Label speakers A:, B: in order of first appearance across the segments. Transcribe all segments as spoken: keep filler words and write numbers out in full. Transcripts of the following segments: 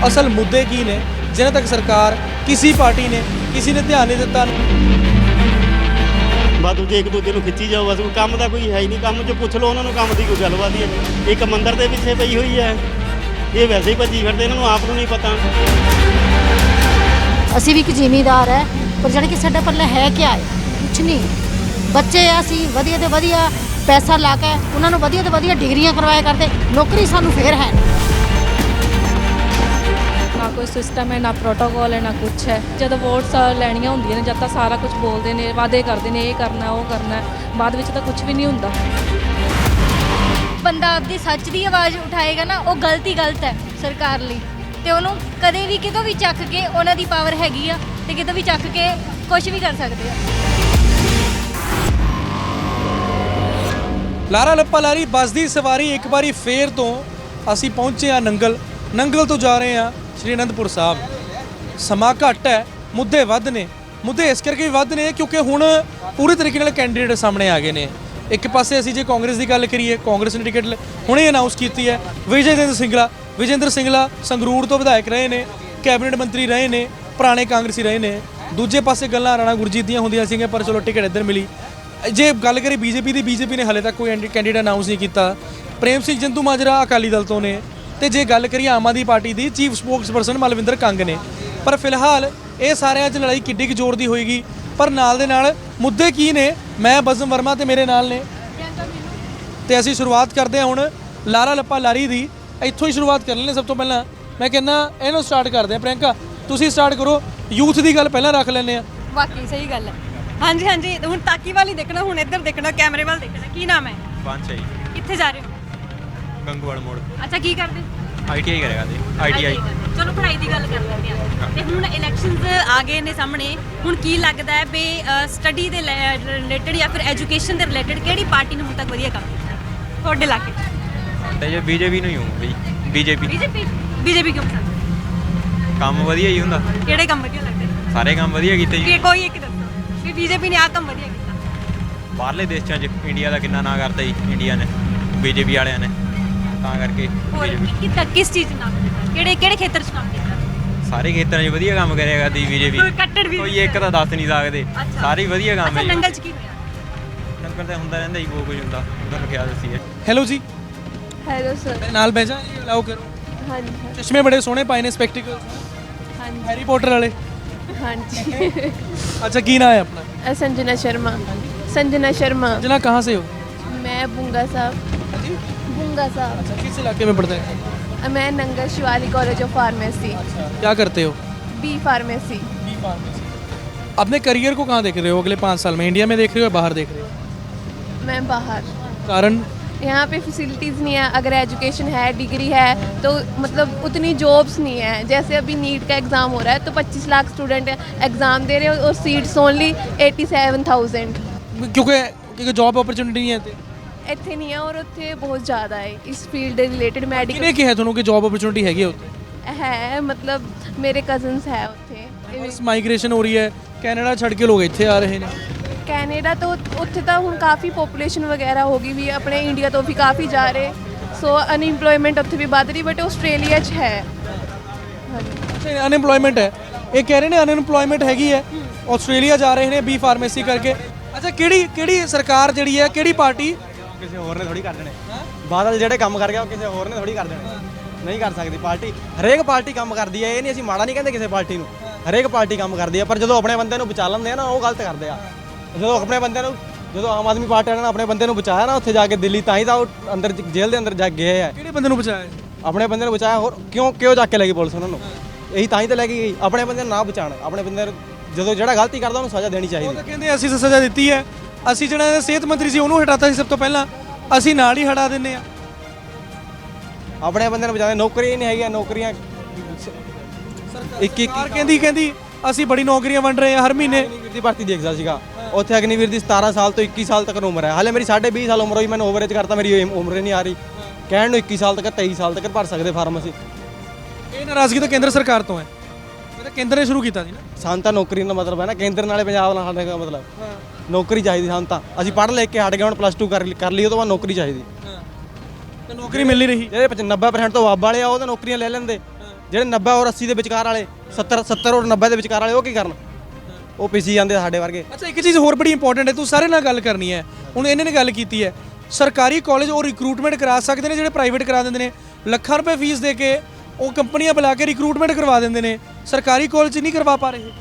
A: ਅਸਲ ਮੁੱਦੇ ਕੀ ਨੇ ਜਿਨ੍ਹਾਂ ਤੱਕ ਸਰਕਾਰ ਕਿਸੇ ਪਾਰਟੀ ਨੇ ਕਿਸੇ ਨੇ ਧਿਆਨ ਨਹੀਂ ਦਿੱਤਾ।
B: ਬਸ ਦੂਜੇ ਇੱਕ ਦੂਜੇ ਨੂੰ ਖਿੱਚੀ ਜਾਓ, ਬਸ ਕੋਈ ਕੰਮ ਦਾ ਕੋਈ ਹੈ ਹੀ ਨਹੀਂ। ਕੰਮ 'ਚ ਪੁੱਛ ਲਓ ਉਹਨਾਂ ਨੂੰ, ਕੰਮ ਦੀ ਕੋਈ ਗੱਲਬਾਤ ਹੀ ਹੈ ਨਹੀਂ। ਇੱਕ ਮੰਦਰ ਦੇ ਪਿੱਛੇ ਪਈ ਹੋਈ ਹੈ, ਇਹ ਵੈਸੇ ਹੀ ਭੱਜੀ ਫਿਰਦੇ, ਇਹਨਾਂ ਨੂੰ ਆਪ ਨੂੰ ਨਹੀਂ ਪਤਾ।
C: ਅਸੀਂ ਵੀ ਇੱਕ ਜ਼ਿਮੀਂਦਾਰ ਹੈ, ਪਰ ਜਾਣੀ ਕਿ ਸਾਡਾ ਪੱਲੇ ਹੈ ਕੀ ਹੈ, ਕੁਛ ਨਹੀਂ। ਬੱਚੇ ਆ ਅਸੀਂ ਵਧੀਆ ਤੇ ਵਧੀਆ ਪੈਸਾ ਲਾ ਕੇ ਉਹਨਾਂ ਨੂੰ ਵਧੀਆ ਤੇ ਵਧੀਆ ਡਿਗਰੀਆਂ ਕਰਵਾਇਆ ਕਰਦੇ, ਨੌਕਰੀ ਸਾਨੂੰ ਫੇਰ ਹੈ ਨਹੀਂ।
D: ਨਾ ਕੋਈ ਸਿਸਟਮ ਹੈ, ਨਾ ਪ੍ਰੋਟੋਕੋਲ ਹੈ, ਨਾ ਕੁਛ ਹੈ। ਜਦੋਂ ਵੋਟਸ ਲੈਣੀਆਂ ਹੁੰਦੀਆਂ ਨੇ ਜਦ ਤਾਂ ਸਾਰਾ ਕੁਝ ਬੋਲਦੇ ਨੇ, ਵਾਅਦੇ ਕਰਦੇ ਨੇ, ਇਹ ਕਰਨਾ ਉਹ ਕਰਨਾ, ਬਾਅਦ ਵਿੱਚ ਤਾਂ ਕੁਝ ਵੀ ਨਹੀਂ ਹੁੰਦਾ।
E: ਬੰਦਾ ਆਪਦੀ ਸੱਚ ਦੀ ਆਵਾਜ਼ ਉਠਾਏਗਾ ਨਾ, ਉਹ ਗਲਤ ਹੀ ਗਲਤ ਹੈ ਸਰਕਾਰ ਲਈ। ਤੇ ਉਹਨੂੰ ਕਦੇ ਵੀ ਕਿਤੋਂ ਵੀ ਚੱਕ ਕੇ, ਉਹਨਾਂ ਦੀ ਪਾਵਰ ਹੈਗੀ ਆ ਤੇ ਕਿਤੋਂ ਵੀ ਚੱਕ ਕੇ ਕੁਝ ਵੀ ਕਰ ਸਕਦੇ ਆ।
A: ਲਾਰਾ ਲੱਪਾ ਲਾਰੀ ਬੱਸ ਦੀ ਸਵਾਰੀ ਇੱਕ ਵਾਰੀ ਫੇਰ ਤੋਂ ਅਸੀਂ ਪਹੁੰਚੇ ਆ ਨੰਗਲ। ਨੰਗਲ ਤੋਂ ਜਾ ਰਹੇ ਆ ਸ਼੍ਰੀ ਅਨੰਦਪੁਰ ਸਾਹਿਬ। ਸਮਾਂ ਘੱਟ ਹੈ, ਮੁੱਦੇ ਵੱਧ ਨੇ। ਮੁੱਦੇ ਇਸ ਕਰਕੇ ਵੀ ਵੱਧ ਨੇ ਕਿਉਂਕਿ ਹੁਣ ਪੂਰੇ ਤਰੀਕੇ ਨਾਲ ਕੈਂਡੀਡੇਟ ਸਾਹਮਣੇ ਆ ਗਏ ਨੇ। ਇੱਕ ਪਾਸੇ ਅਸੀਂ ਜੇ ਕਾਂਗਰਸ ਦੀ ਗੱਲ ਕਰੀਏ, ਕਾਂਗਰਸ ਨੇ ਟਿਕਟ ਹੁਣੇ ਅਨਾਉਂਸ ਕੀਤੀ ਹੈ। ਵਿਜੇਂਦਰ ਸਿੰਗਲਾ ਵਿਜੇਂਦਰ ਸਿੰਗਲਾ ਸੰਗਰੂਰ ਤੋਂ ਵਿਧਾਇਕ ਰਹੇ ਨੇ, ਕੈਬਨਿਟ ਮੰਤਰੀ ਰਹੇ ਨੇ, ਪੁਰਾਣੇ ਕਾਂਗਰਸੀ ਰਹੇ ਨੇ। ਦੂਜੇ ਪਾਸੇ ਗੱਲਾਂ ਰਾਣਾ ਗੁਰਜੀਤ ਦੀਆਂ ਹੁੰਦੀਆਂ ਸੀਗੀਆਂ, ਪਰ ਚਲੋ ਟਿਕਟ ਇੱਧਰ ਮਿਲੀ। ਜੇ ਗੱਲ ਕਰੀ ਬੀਜੇਪੀ ਦੀ, ਬੀਜੇਪੀ ਨੇ ਹਾਲੇ ਤੱਕ ਕੋਈ ਕੈਂਡੀਡੇਟ ਅਨਾਉਂਸ ਨਹੀਂ ਕੀਤਾ। ਪ੍ਰੇਮ ਸਿੰਘ ਜੰਤੂ ਮਾਜਰਾ ਅਕਾਲੀ ਦਲ ਤੋਂ ਨੇ, ਤੇ ਜੇ ਗੱਲ ਕਰੀਏ ਆਮ ਆਦਮੀ ਪਾਰਟੀ ਦੀ, ਚੀਫ ਸਪੋਕਸਪਰਸਨ ਮਲਵਿੰਦਰ ਕੰਗ ਨੇ। ਪਰ ਫਿਲਹਾਲ ਇਹ ਸਾਰਿਆਂ 'ਚ ਲੜਾਈ ਕਿੱਡੀ ਕੁ ਜ਼ੋਰ ਦੀ ਹੋਏਗੀ, ਪਰ ਨਾਲ ਦੇ ਨਾਲ ਮੁੱਦੇ ਕੀ ਨੇ। ਮੈਂ ਬਜ਼ਮ ਵਰਮਾ ਤੇ ਮੇਰੇ ਨਾਲ ਨੇ, ਤੇ ਅਸੀਂ ਸ਼ੁਰੂਆਤ ਕਰਦੇ ਹਾਂ ਹੁਣ ਲਾਰਾ ਲੱਪਾ ਲਾਰੀ ਦੀ। ਇੱਥੋਂ ਹੀ ਸ਼ੁਰੂਆਤ ਕਰ ਲੈਂਦੇ। ਸਭ ਤੋਂ ਪਹਿਲਾਂ ਮੈਂ ਕਹਿੰਦਾ ਇਹਨੂੰ ਸਟਾਰਟ ਕਰਦੇ ਹਾਂ। ਪ੍ਰਿਯੰਕਾ ਤੁਸੀਂ ਸਟਾਰਟ ਕਰੋ, ਯੂਥ ਦੀ ਗੱਲ ਪਹਿਲਾਂ ਰੱਖ ਲੈਂਦੇ ਹਾਂ।
F: ਵਾਕਈ ਸਹੀ ਗੱਲ ਹੈ। ਹਾਂਜੀ ਹਾਂਜੀ, ਹੁਣ ਤਾਕੀ ਵਾਲੀ ਦੇਖਣਾ, ਹੁਣ ਇੱਧਰ ਦੇਖਣਾ, ਕੈਮਰੇ ਵੱਲ ਦੇਖਣਾ। ਕੀ ਨਾਮ ਹੈ?
G: ਪੰਜ
F: ਕਿੱਥੇ ਜਾ ਰਹੇ ਹੋ?
G: ਗੰਗੂਵਾਲ ਮੋੜ।
F: ਅੱਛਾ, ਕੀ ਕਰਦੇ?
G: ਆਈਟੀਆਈ ਕਰੇਗਾ ਜੀ। ਆਈਟੀਆਈ।
F: ਚਲੋ ਪੜ੍ਹਾਈ ਦੀ ਗੱਲ ਕਰ ਲੈਂਦੇ ਹਾਂ। ਤੇ ਹੁਣ ਇਲੈਕਸ਼ਨਸ ਆ ਗਏ ਨੇ ਸਾਹਮਣੇ, ਹੁਣ ਕੀ ਲੱਗਦਾ ਹੈ ਵੀ ਸਟੱਡੀ ਦੇ ਰਿਲੇਟਡ ਜਾਂ ਫਿਰ ਐਜੂਕੇਸ਼ਨ ਦੇ ਰਿਲੇਟਡ ਕਿਹੜੀ ਪਾਰਟੀ ਨੇ ਹੁਣ ਤੱਕ ਵਧੀਆ ਕੰਮ ਕੀਤਾ ਤੁਹਾਡੇ ਇਲਾਕੇ 'ਚ?
G: ਤੇ ਜੇ ਬੀਜੇਪੀ ਨੂੰ ਹੀ ਹੂੰ ਬਈ। ਬੀਜੇਪੀ
F: ਬੀਜੇਪੀ ਬੀਜੇਪੀ ਕਿਉਂ ਪਸੰਦ?
G: ਕੰਮ ਵਧੀਆ ਹੀ ਹੁੰਦਾ।
F: ਕਿਹੜੇ ਕੰਮ ਵਧੀਆ ਲੱਗਦੇ ਨੇ?
G: ਸਾਰੇ ਕੰਮ ਵਧੀਆ ਕੀਤੇ ਜੀ।
F: ਕਿ ਕੋਈ ਇੱਕ ਦੱਸੋ ਵੀ ਬੀਜੇਪੀ ਨੇ ਆਹ ਕੰਮ ਵਧੀਆ ਕੀਤਾ।
G: ਬਾਹਰਲੇ ਦੇਸ਼ਾਂ 'ਚ ਇੰਡੀਆ ਦਾ ਕਿੰਨਾ ਨਾਂ ਕਰਦਾ ਜੀ ਇੰਡੀਆ ਨੇ, ਬੀਜੇਪੀ ਵਾਲਿਆਂ ਨੇ, ਤਾਂ ਕਰਕੇ
F: ਹੋਰ
G: ਬੀਜੇਪੀ
F: ਕਿੱਦਾਂ, ਕਿਸ ਚੀਜ਼ 'ਚ ਨਾਮ ਕੀਤਾ? ਕਿਹੜੇ ਕਿਹੜੇ ਖੇਤਰ 'ਚ ਕੰਮ ਕੀਤਾ?
G: ਸਾਰੇ ਖੇਤਰਾਂ 'ਚ ਵਧੀਆ ਕੰਮ ਕਰਿਆ ਕਰਦੀ ਬੀਜੇਪੀ।
F: ਕੱਟੜ ਵੀ
G: ਕੋਈ ਇੱਕ ਤਾਂ ਦੱਸ ਨਹੀਂ ਸਕਦੇ, ਸਾਰੇ ਹੀ ਵਧੀਆ ਕੰਮ ਹੈ ਜੀ।
F: ਨੰਗਲ 'ਚ ਕੀ ਹੋਇਆ?
G: ਨੰਗਲ ਤਾਂ ਹੁੰਦਾ ਰਹਿੰਦਾ ਜੀ, ਬਹੁਤ ਕੁਝ ਹੁੰਦਾ, ਤੁਹਾਨੂੰ ਖਿਆਲ ਦੱਸੀ ਹੈ।
A: ਹੈਲੋ ਜੀ,
H: ਹੈਲੋ ਸਰ।
A: ਨਾਲ ਬਹਿ ਜਾ ਜੀ, ਅਲਾਓ ਕਰੋ।
H: ਹਾਂਜੀ
A: ਚਸ਼ਮੇ ਬੜੇ ਸੋਹਣੇ ਪਾਏ ਨੇ, ਸਪੈਕਟੀਕਲ,
H: ਹਾਂਜੀ
A: ਹੈਰੀ ਪੋਟਰ ਵਾਲੇ।
H: ਹਾਂਜੀ।
A: अच्छा की नाम है अपना?
H: संजना शर्मा। संजना शर्मा।
A: संजना कहाँ से हो?
H: मैं बुंगा साहब। बुंगा साहब।
A: अच्छा, किस इलाके में पढ़ते हैं?
H: मैं Nangal Shivali college of pharmacy.
A: क्या करते हो?
H: B pharmacy.
A: B pharmacy. अपने करियर को कहाँ देख रहे हो अगले पाँच साल में? इंडिया में देख रहे हो या बाहर देख रहे हो?
H: मैं बाहर।
A: कारण?
H: यहाँ पे फैसिलिटीज़ नहीं है। अगर एजुकेशन है, डिग्री है, तो मतलब उतनी जॉब्स नहीं है। जैसे अभी नीट का एग्ज़ाम हो रहा है तो पच्चीस लाख स्टूडेंट एग्ज़ाम दे रहे हैं और seats only eighty seven thousand.
A: क्योंकि क्योंकि जॉब अपॉर्चुनिटी नहीं है
H: ਇੱਥੇ ਨਹੀਂ ਹੈ ਔਰ ਉੱਥੇ ਬਹੁਤ ਜ਼ਿਆਦਾ ਹੈ ਇਸ ਫੀਲਡ ਦੇ ਰਿਲੇਟਡ। ਮੈਡੀਕਲ
A: ਕਿਹਨੇ ਕਿਹਾ ਤੁਹਾਨੂੰ ਕਿ ਜੌਬ अपॉर्चुनिटी ਹੈਗੀ ਉੱਥੇ?
H: ਹੈ, ਮਤਲਬ ਮੇਰੇ ਕਜ਼ਨਸ ਹੈ ਉੱਥੇ।
A: ਬਸ ਮਾਈਗ੍ਰੇਸ਼ਨ ਹੋ ਰਹੀ ਹੈ, ਕੈਨੇਡਾ ਛੱਡ ਕੇ ਲੋਕ ਇੱਥੇ ਆ ਰਹੇ ਨੇ।
H: ਕੈਨੇਡਾ ਤੋਂ ਉੱਥੇ ਤਾਂ ਹੁਣ ਕਾਫੀ ਪੋਪੂਲੇਸ਼ਨ ਵਗੈਰਾ ਹੋ ਗਈ ਵੀ, ਆਪਣੇ ਇੰਡੀਆ ਤੋਂ ਵੀ ਕਾਫੀ ਜਾ ਰਹੇ, ਸੋ ਅਨਇੰਪਲੋਇਮੈਂਟ ਉੱਥੇ ਵੀ ਵੱਧ ਰਹੀ, ਬਟ ਆਸਟ੍ਰੇਲੀਆ 'ਚ ਹੈ। ਹਾਂਜੀ,
A: ਅਨਇੰਪਲੋਇਮੈਂਟ ਹੈ। ਇਹ ਕਹਿ ਰਹੇ ਨੇ ਅਨਇੰਪਲੋਇਮੈਂਟ ਹੈਗੀ ਹੈ, ਆਸਟ੍ਰੇਲੀਆ ਜਾ ਰਹੇ ਨੇ ਬੀ ਫਾਰਮੇਸੀ ਕਰਕੇ। ਅੱਛਾ, ਕਿਹੜੀ ਕਿਹੜੀ ਸਰਕਾਰ ਜਿਹੜੀ ਹੈ, ਕਿਹੜੀ ਪਾਰਟੀ?
I: ਕਿਸੇ ਹੋਰ ਨੇ ਥੋੜੀ ਕਰ ਦੇਣੇ। ਬਾਦਲ ਜਿਹੜੇ ਕੰਮ ਕਰ ਗਿਆ ਉਹ ਕਿਸੇ ਹੋਰ ਨੇ ਥੋੜੀ ਕਰ ਦੇਣੇ, ਨਹੀਂ ਕਰ ਸਕਦੀ ਪਾਰਟੀ। ਹਰੇਕ ਪਾਰਟੀ ਕੰਮ ਕਰਦੀ ਹੈ, ਇਹ ਨਹੀਂ ਅਸੀਂ ਮਾੜਾ ਨਹੀਂ ਕਹਿੰਦੇ ਕਿਸੇ ਪਾਰਟੀ ਨੂੰ, ਹਰੇਕ ਪਾਰਟੀ ਕੰਮ ਕਰਦੀ ਹੈ। ਪਰ ਜਦੋਂ ਆਪਣੇ ਬੰਦੇ ਨੂੰ ਬਚਾ ਲੈਂਦੇ ਆ ਨਾ, ਉਹ ਗਲਤ ਕਰਦੇ ਆ। ਜਦੋਂ ਆਪਣੇ ਬੰਦੇ ਨੂੰ, ਜਦੋਂ ਆਮ ਆਦਮੀ ਪਾਰਟੀ ਨੇ ਆਪਣੇ ਬੰਦੇ ਨੂੰ ਬਚਾਇਆ ਨਾ ਉੱਥੇ ਜਾ ਕੇ ਦਿੱਲੀ, ਤਾਂ ਹੀ ਤਾਂ ਉਹ ਅੰਦਰ ਜੇਲ੍ਹ ਦੇ ਅੰਦਰ ਜਾ ਗਏ ਆ।
A: ਕਿਹੜੇ ਬੰਦੇ ਨੂੰ ਬਚਾਇਆ?
I: ਆਪਣੇ ਬੰਦੇ ਨੂੰ ਬਚਾਇਆ। ਹੋਰ ਕਿਉਂ ਕਿਉਂ ਜਾ ਕੇ ਲੈ ਗਈ ਪੁਲਿਸ ਉਹਨਾਂ ਨੂੰ? ਇਹੀ ਤਾਂ ਹੀ ਤਾਂ ਲੈ ਕੇ ਗਈ, ਆਪਣੇ ਬੰਦੇ ਨੂੰ ਨਾ ਬਚਾਉਣ। ਆਪਣੇ ਬੰਦੇ ਨੂੰ ਜਦੋਂ ਜਿਹੜਾ ਗਲਤੀ ਕਰਦਾ ਉਹਨੂੰ ਸਜ਼ਾ ਦੇਣੀ ਚਾਹੀਦੀ।
A: ਉਹ ਤਾਂ ਕਹਿੰਦੇ ਅਸੀਂ ਤਾਂ ਸਜ਼ਾ ਦਿੱਤੀ ਹੈ, ਅਸੀਂ ਜਿਹੜਾ ਸਿਹਤ ਮੰਤਰੀ ਸੀ ਉਹਨੂੰ ਹਟਾਤਾ ਸੀ ਸਭ ਤੋਂ ਪਹਿਲਾਂ, ਅਸੀਂ ਨਾਲ ਹੀ ਹਟਾ ਦਿੰਦੇ ਆ।
I: ਆਪਣੇ ਬੰਦੇ ਨੂੰ ਬਚਾਉਂਦੇ। ਨੌਕਰੀਆਂ ਨਹੀਂ ਹੈਗੀਆਂ, ਨੌਕਰੀਆਂ ਇੱਕ ਇੱਕ
A: ਕਹਿੰਦੀ ਕਹਿੰਦੀ ਅਸੀਂ ਬੜੀ ਨੌਕਰੀਆਂ ਵੰਡ ਰਹੇ ਹਾਂ ਹਰ ਮਹੀਨੇ।
I: ਅਗਨੀਵੀਰ ਦੀ ਭਰਤੀ ਦੇਖਦਾ ਸੀਗਾ ਉੱਥੇ, ਅਗਨੀਵੀਰ ਦੀ ਸਤਾਰਾਂ ਸਾਲ ਤੋਂ ਇੱਕੀ ਸਾਲ ਤੱਕ ਉਮਰ ਹੈ। ਹਾਲੇ ਮੇਰੀ ਸਾਢੇ ਵੀਹ ਸਾਲ ਉਮਰ ਹੋਈ, ਮੈਨੂੰ ਓਵਰੇਜ ਕਰਤਾ, ਮੇਰੀ ਉਮਰ ਹੀ ਨਹੀਂ ਆ ਰਹੀ। ਕਹਿਣ ਨੂੰ ਇੱਕੀ ਸਾਲ ਤੱਕ, ਤੇਈ ਸਾਲ ਤੱਕ ਭਰ ਸਕਦੇ ਫਾਰਮ ਅਸੀਂ।
A: ਇਹ ਨਾਰਾਜ਼ਗੀ ਤਾਂ ਕੇਂਦਰ ਸਰਕਾਰ ਤੋਂ ਹੈ, ਇਹ ਤਾਂ ਕੇਂਦਰ ਨੇ ਸ਼ੁਰੂ ਕੀਤਾ ਸੀ ਨਾ।
I: ਸਾਨੂੰ ਤਾਂ ਨੌਕਰੀ ਦਾ ਮਤਲਬ ਹੈ ਨਾ, ਕੇਂਦਰ ਨਾਲੇ ਪੰਜਾਬ ਨਾਲ ਸਾਡੇ ਦਾ ਮਤਲਬ ਨੌਕਰੀ ਚਾਹੀਦੀ ਸਾਨੂੰ ਤਾਂ। ਅਸੀਂ ਪੜ੍ਹ ਲਿਖ ਕੇ ਹਟ ਗਏ, ਹੁਣ ਪਲੱਸ ਟੂ ਕਰ ਕਰ ਲਈ, ਉਹ ਤੋਂ ਬਾਅਦ ਨੌਕਰੀ ਚਾਹੀਦੀ।
A: ਤੇ ਨੌਕਰੀ ਮਿਲ ਨਹੀਂ ਰਹੀ।
I: ਜਿਹੜੇ ਨੱਬੇ ਪਰਸੈਂਟ ਤੋਂ ਵੱਧ ਵਾਲੇ ਆ ਉਹ ਤਾਂ ਨੌਕਰੀਆਂ ਲੈ ਲੈਂਦੇ, ਜਿਹੜੇ ਨੱਬੇ ਔਰ ਅੱਸੀ ਦੇ ਵਿਚਕਾਰ ਵਾਲੇ ਸੱਤਰ ਸੱਤਰ ਔਰ ਨੱਬੇ ਦੇ ਵਿਚਕਾਰ ਵਾਲੇ ਉਹ ਕੀ ਕਰਨ? ਉਹ ਪਿੱਛੇ ਜਾਂਦੇ ਆ ਸਾਡੇ ਵਰਗੇ।
A: ਅੱਛਾ ਇੱਕ ਚੀਜ਼ ਹੋਰ ਬੜੀ ਇੰਪੋਰਟੈਂਟ ਹੈ, ਤੂੰ ਸਾਰੇ ਨਾਲ ਗੱਲ ਕਰਨੀ ਹੈ। ਹੁਣ ਇਹਨੇ ਨੇ ਗੱਲ ਕੀਤੀ ਹੈ ਸਰਕਾਰੀ ਕਾਲਜ ਉਹ ਰਿਕਰੂਟਮੈਂਟ ਕਰਾ ਸਕਦੇ ਨੇ ਜਿਹੜੇ ਪ੍ਰਾਈਵੇਟ ਕਰਾ ਦਿੰਦੇ ਨੇ, ਲੱਖਾਂ ਰੁਪਏ ਫੀਸ ਦੇ ਕੇ ਉਹ ਕੰਪਨੀਆਂ ਬੁਲਾ ਕੇ ਰਿਕਰੂਟਮੈਂਟ ਕਰਵਾ ਦਿੰਦੇ ਨੇ, ਸਰਕਾਰੀ ਕਾਲਜ ਨਹੀਂ ਕਰਵਾ ਪਾ ਰਹੇ।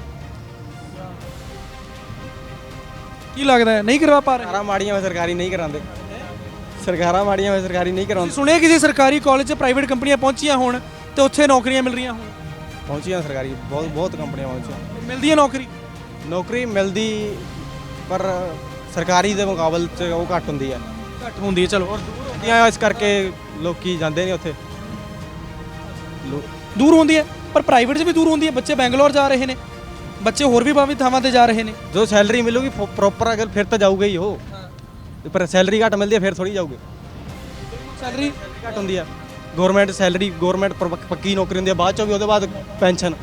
A: ਕੀ ਲੱਗਦਾ ਹੈ ਨਹੀਂ ਕਰਵਾ ਪਾ ਰਹੇ?
I: ਸਰਕਾਰਾਂ ਮਾੜੀਆਂ ਹੋਏ ਸਰਕਾਰੀ ਨਹੀਂ ਕਰਾਉਂਦੇ, ਸਰਕਾਰਾਂ ਮਾੜੀਆਂ ਹੋਏ ਸਰਕਾਰੀ ਨਹੀਂ ਕਰਾਉਂਦੇ।
A: ਸੁਣਿਆ ਕਿਸੇ ਸਰਕਾਰੀ ਕਾਲਜ 'ਚ ਪ੍ਰਾਈਵੇਟ ਕੰਪਨੀਆਂ ਪਹੁੰਚੀਆਂ ਹੋਣ ਤੇ ਉੱਥੇ ਨੌਕਰੀਆਂ ਮਿਲ ਰਹੀਆਂ ਹੋਣ?
I: ਪਹੁੰਚੀਆਂ ਸਰਕਾਰੀ ਬਹੁਤ ਬਹੁਤ ਕੰਪਨੀਆਂ ਪਹੁੰਚੀਆਂ।
A: ਮਿਲਦੀ ਹੈ ਨੌਕਰੀ?
I: ਨੌਕਰੀ ਮਿਲਦੀ ਪਰ ਸਰਕਾਰੀ ਦੇ ਮੁਕਾਬਲੇ 'ਚ ਉਹ ਘੱਟ ਹੁੰਦੀ ਹੈ।
A: ਘੱਟ ਹੁੰਦੀ ਹੈ। ਚਲੋ
I: ਹੁੰਦੀਆਂ ਇਸ ਕਰਕੇ ਲੋਕੀ ਜਾਂਦੇ ਨਹੀਂ ਉੱਥੇ। ਲੋ-
A: ਦੂਰ ਹੁੰਦੀ ਹੈ ਪਰ ਪ੍ਰਾਈਵੇਟ 'ਚ ਵੀ ਦੂਰ ਹੁੰਦੀ ਹੈ। ਬੱਚੇ ਬੈਂਗਲੌਰ ਜਾ ਰਹੇ ਨੇ, ਬੱਚੇ ਹੋਰ ਵੀ ਬਾਕੀ ਥਾਵਾਂ ਤੇ ਜਾ ਰਹੇ ਨੇ।
I: ਜੋ ਸੈਲਰੀ ਮਿਲੂਗੀ ਪ੍ਰੋਪਰ ਅਗਰ ਫਿਰ ਤਾਂ ਜਾਊਗਾ ਹੀ ਉਹ, ਪਰ ਸੈਲਰੀ ਘੱਟ ਮਿਲਦੀ ਹੈ ਫਿਰ ਥੋੜੀ ਜਾਊਗੇ।
A: ਸੈਲਰੀ
I: ਘੱਟ ਹੁੰਦੀ ਹੈ। ਗਵਰਨਮੈਂਟ ਸੈਲਰੀ ਗਵਰਨਮੈਂਟ ਪੱਕੀ ਨੌਕਰੀ ਹੁੰਦੀ ਹੈ, ਬਾਅਦ ਚੋਂ ਵੀ ਉਹਦੇ ਬਾਅਦ ਪੈਨਸ਼ਨ।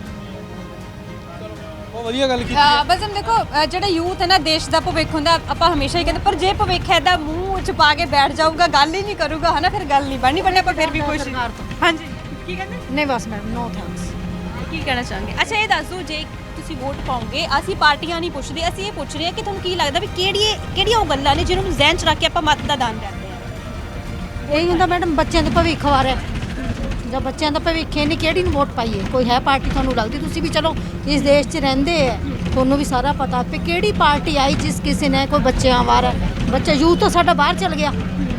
A: ਬਹੁਤ ਵਧੀਆ ਗੱਲ ਕੀਤੀ
F: ਅਹ ਬਸ ਹੁਣ ਦੇਖੋ ਅਹ ਜਿਹੜਾ ਯੂਥ ਹੈ ਨਾ ਦੇਸ਼ ਦਾ ਭਵਿੱਖ ਹੁੰਦਾ, ਆਪਾਂ ਹਮੇਸ਼ਾ ਹੀ ਕਹਿੰਦੇ, ਪਰ ਜੇ ਭਵਿੱਖ ਐਦਾ ਮੂੰਹ ਚ ਪਾ ਕੇ ਬੈਠ ਜਾਊਗਾ, ਗੱਲ ਹੀ ਨਹੀਂ ਕਰੂਗਾ ਹਨਾ, ਫਿਰ ਗੱਲ ਨਹੀਂ ਬਣਨੀ। ਬਣੇ ਆਪਾਂ ਫਿਰ ਵੀ ਕੋਸ਼ਿਸ਼। ਹਾਂਜੀ ਕੀ ਕਹਿੰਦੇ?
C: ਨਹੀਂ ਬਸ ਮੈਡਮ ਨੋ ਥੈਂਕਸ।
F: ਕੀ ਕਹਿਣਾ ਚਾਹਾਂਗੇ? ਅੱਛਾ ਇਹ ਦੱਸ ਦਿਓ, ਜੇ ਤੁਸੀਂ ਵੋਟ ਪਾਓਗੇ, ਅਸੀਂ ਪਾਰਟੀਆਂ ਨਹੀਂ ਪੁੱਛਦੇ, ਅਸੀਂ ਇਹ ਪੁੱਛ ਰਹੇ ਹਾਂ ਕਿ ਤੁਹਾਨੂੰ ਕੀ ਲੱਗਦਾ ਵੀ ਕਿਹੜੀ ਕਿਹੜੀਆਂ ਉਹ ਗੱਲਾਂ ਨੇ ਜਿਹਨੂੰ ਜ਼ਿਹਨ ਚ ਰੱਖ ਕੇ ਆਪਾਂ ਮਤ ਦਾ ਦਾਨ ਕਰਦੇ ਹਾਂ?
C: ਇਹੀ ਹੁੰਦਾ ਮੈਡਮ ਬੱਚਿਆਂ ਦੇ ਭਵਿੱਖ ਬਾਰੇ। ਜਦ ਬੱਚਿਆਂ ਦਾ ਭਵਿੱਖ ਹੈ ਨਹੀਂ ਕਿਹੜੀ ਨੂੰ ਵੋਟ ਪਾਈਏ? ਕੋਈ ਹੈ ਪਾਰਟੀ ਤੁਹਾਨੂੰ ਲੱਗਦੀ? ਤੁਸੀਂ ਵੀ ਚਲੋ ਇਸ ਦੇਸ਼ 'ਚ ਰਹਿੰਦੇ ਹੈ, ਤੁਹਾਨੂੰ ਵੀ ਸਾਰਾ ਪਤਾ ਵੀ ਕਿਹੜੀ ਪਾਰਟੀ ਆਈ ਜਿਸ ਕਿਸੇ ਨੇ ਕੋਈ ਬੱਚਿਆਂ ਬਾਰੇ, ਬੱਚਾ ਯੂਥ ਤਾਂ ਸਾਡਾ ਬਾਹਰ ਚਲ ਗਿਆ।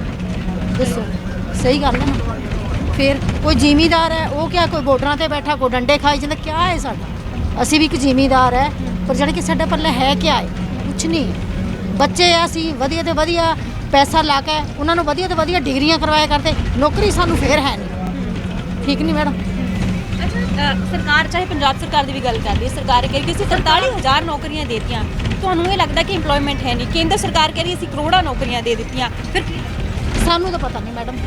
C: ਦੱਸੋ ਸਹੀ ਗੱਲ ਹੈ ਨਾ? ਫਿਰ ਕੋਈ ਜ਼ਿਮੀਦਾਰ ਹੈ ਉਹ ਕਿਆ ਕੋਈ ਬਾਰਡਰਾਂ ਤੇ ਬੈਠਾ ਕੋਈ ਡੰਡੇ ਖਾਈ ਜਾਂਦਾ, ਕਿਆ ਹੈ ਸਾਡਾ? ਅਸੀਂ ਵੀ ਇੱਕ ਜ਼ਿਮੀਦਾਰ ਹੈ ਪਰ ਜਿਹੜੇ ਕਿ ਸਾਡੇ ਪੱਲੇ ਹੈ ਕਿਆ ਹੈ? ਕੁਛ ਨਹੀਂ। ਬੱਚੇ ਆ ਅਸੀਂ ਵਧੀਆ ਤੇ ਵਧੀਆ ਪੈਸਾ ਲਾ ਕੇ ਉਹਨਾਂ ਨੂੰ ਵਧੀਆ ਤੇ ਵਧੀਆ ਡਿਗਰੀਆਂ ਕਰਵਾਇਆ ਕਰਦੇ, ਨੌਕਰੀ ਸਾਨੂੰ ਫੇਰ ਹੈ ਨਹੀਂ। ਠੀਕ ਨਹੀਂ ਮੈਡਮ?
F: ਅੱਛਾ ਅਹ ਸਰਕਾਰ ਚਾਹੇ ਪੰਜਾਬ ਸਰਕਾਰ ਦੀ ਵੀ ਗੱਲ ਕਰ ਰਹੀ ਹੈ, ਸਰਕਾਰ ਕਹਿ ਰਹੀ ਕਿ ਅਸੀਂ ਤਰਤਾਲੀ ਹਜ਼ਾਰ ਨੌਕਰੀਆਂ ਦੇ ਦਿੱਤੀਆਂ, ਤੁਹਾਨੂੰ ਇਹ ਲੱਗਦਾ ਕਿ ਇੰਪਲੋਇਮੈਂਟ ਹੈ ਨਹੀਂ? ਕੇਂਦਰ ਸਰਕਾਰ ਕਹਿ ਰਹੀ ਅਸੀਂ ਕਰੋੜਾਂ ਨੌਕਰੀਆਂ ਦੇ ਦਿੱਤੀਆਂ, ਫਿਰ
C: ਸਾਨੂੰ ਤਾਂ ਪਤਾ ਨਹੀਂ ਮੈਡਮ।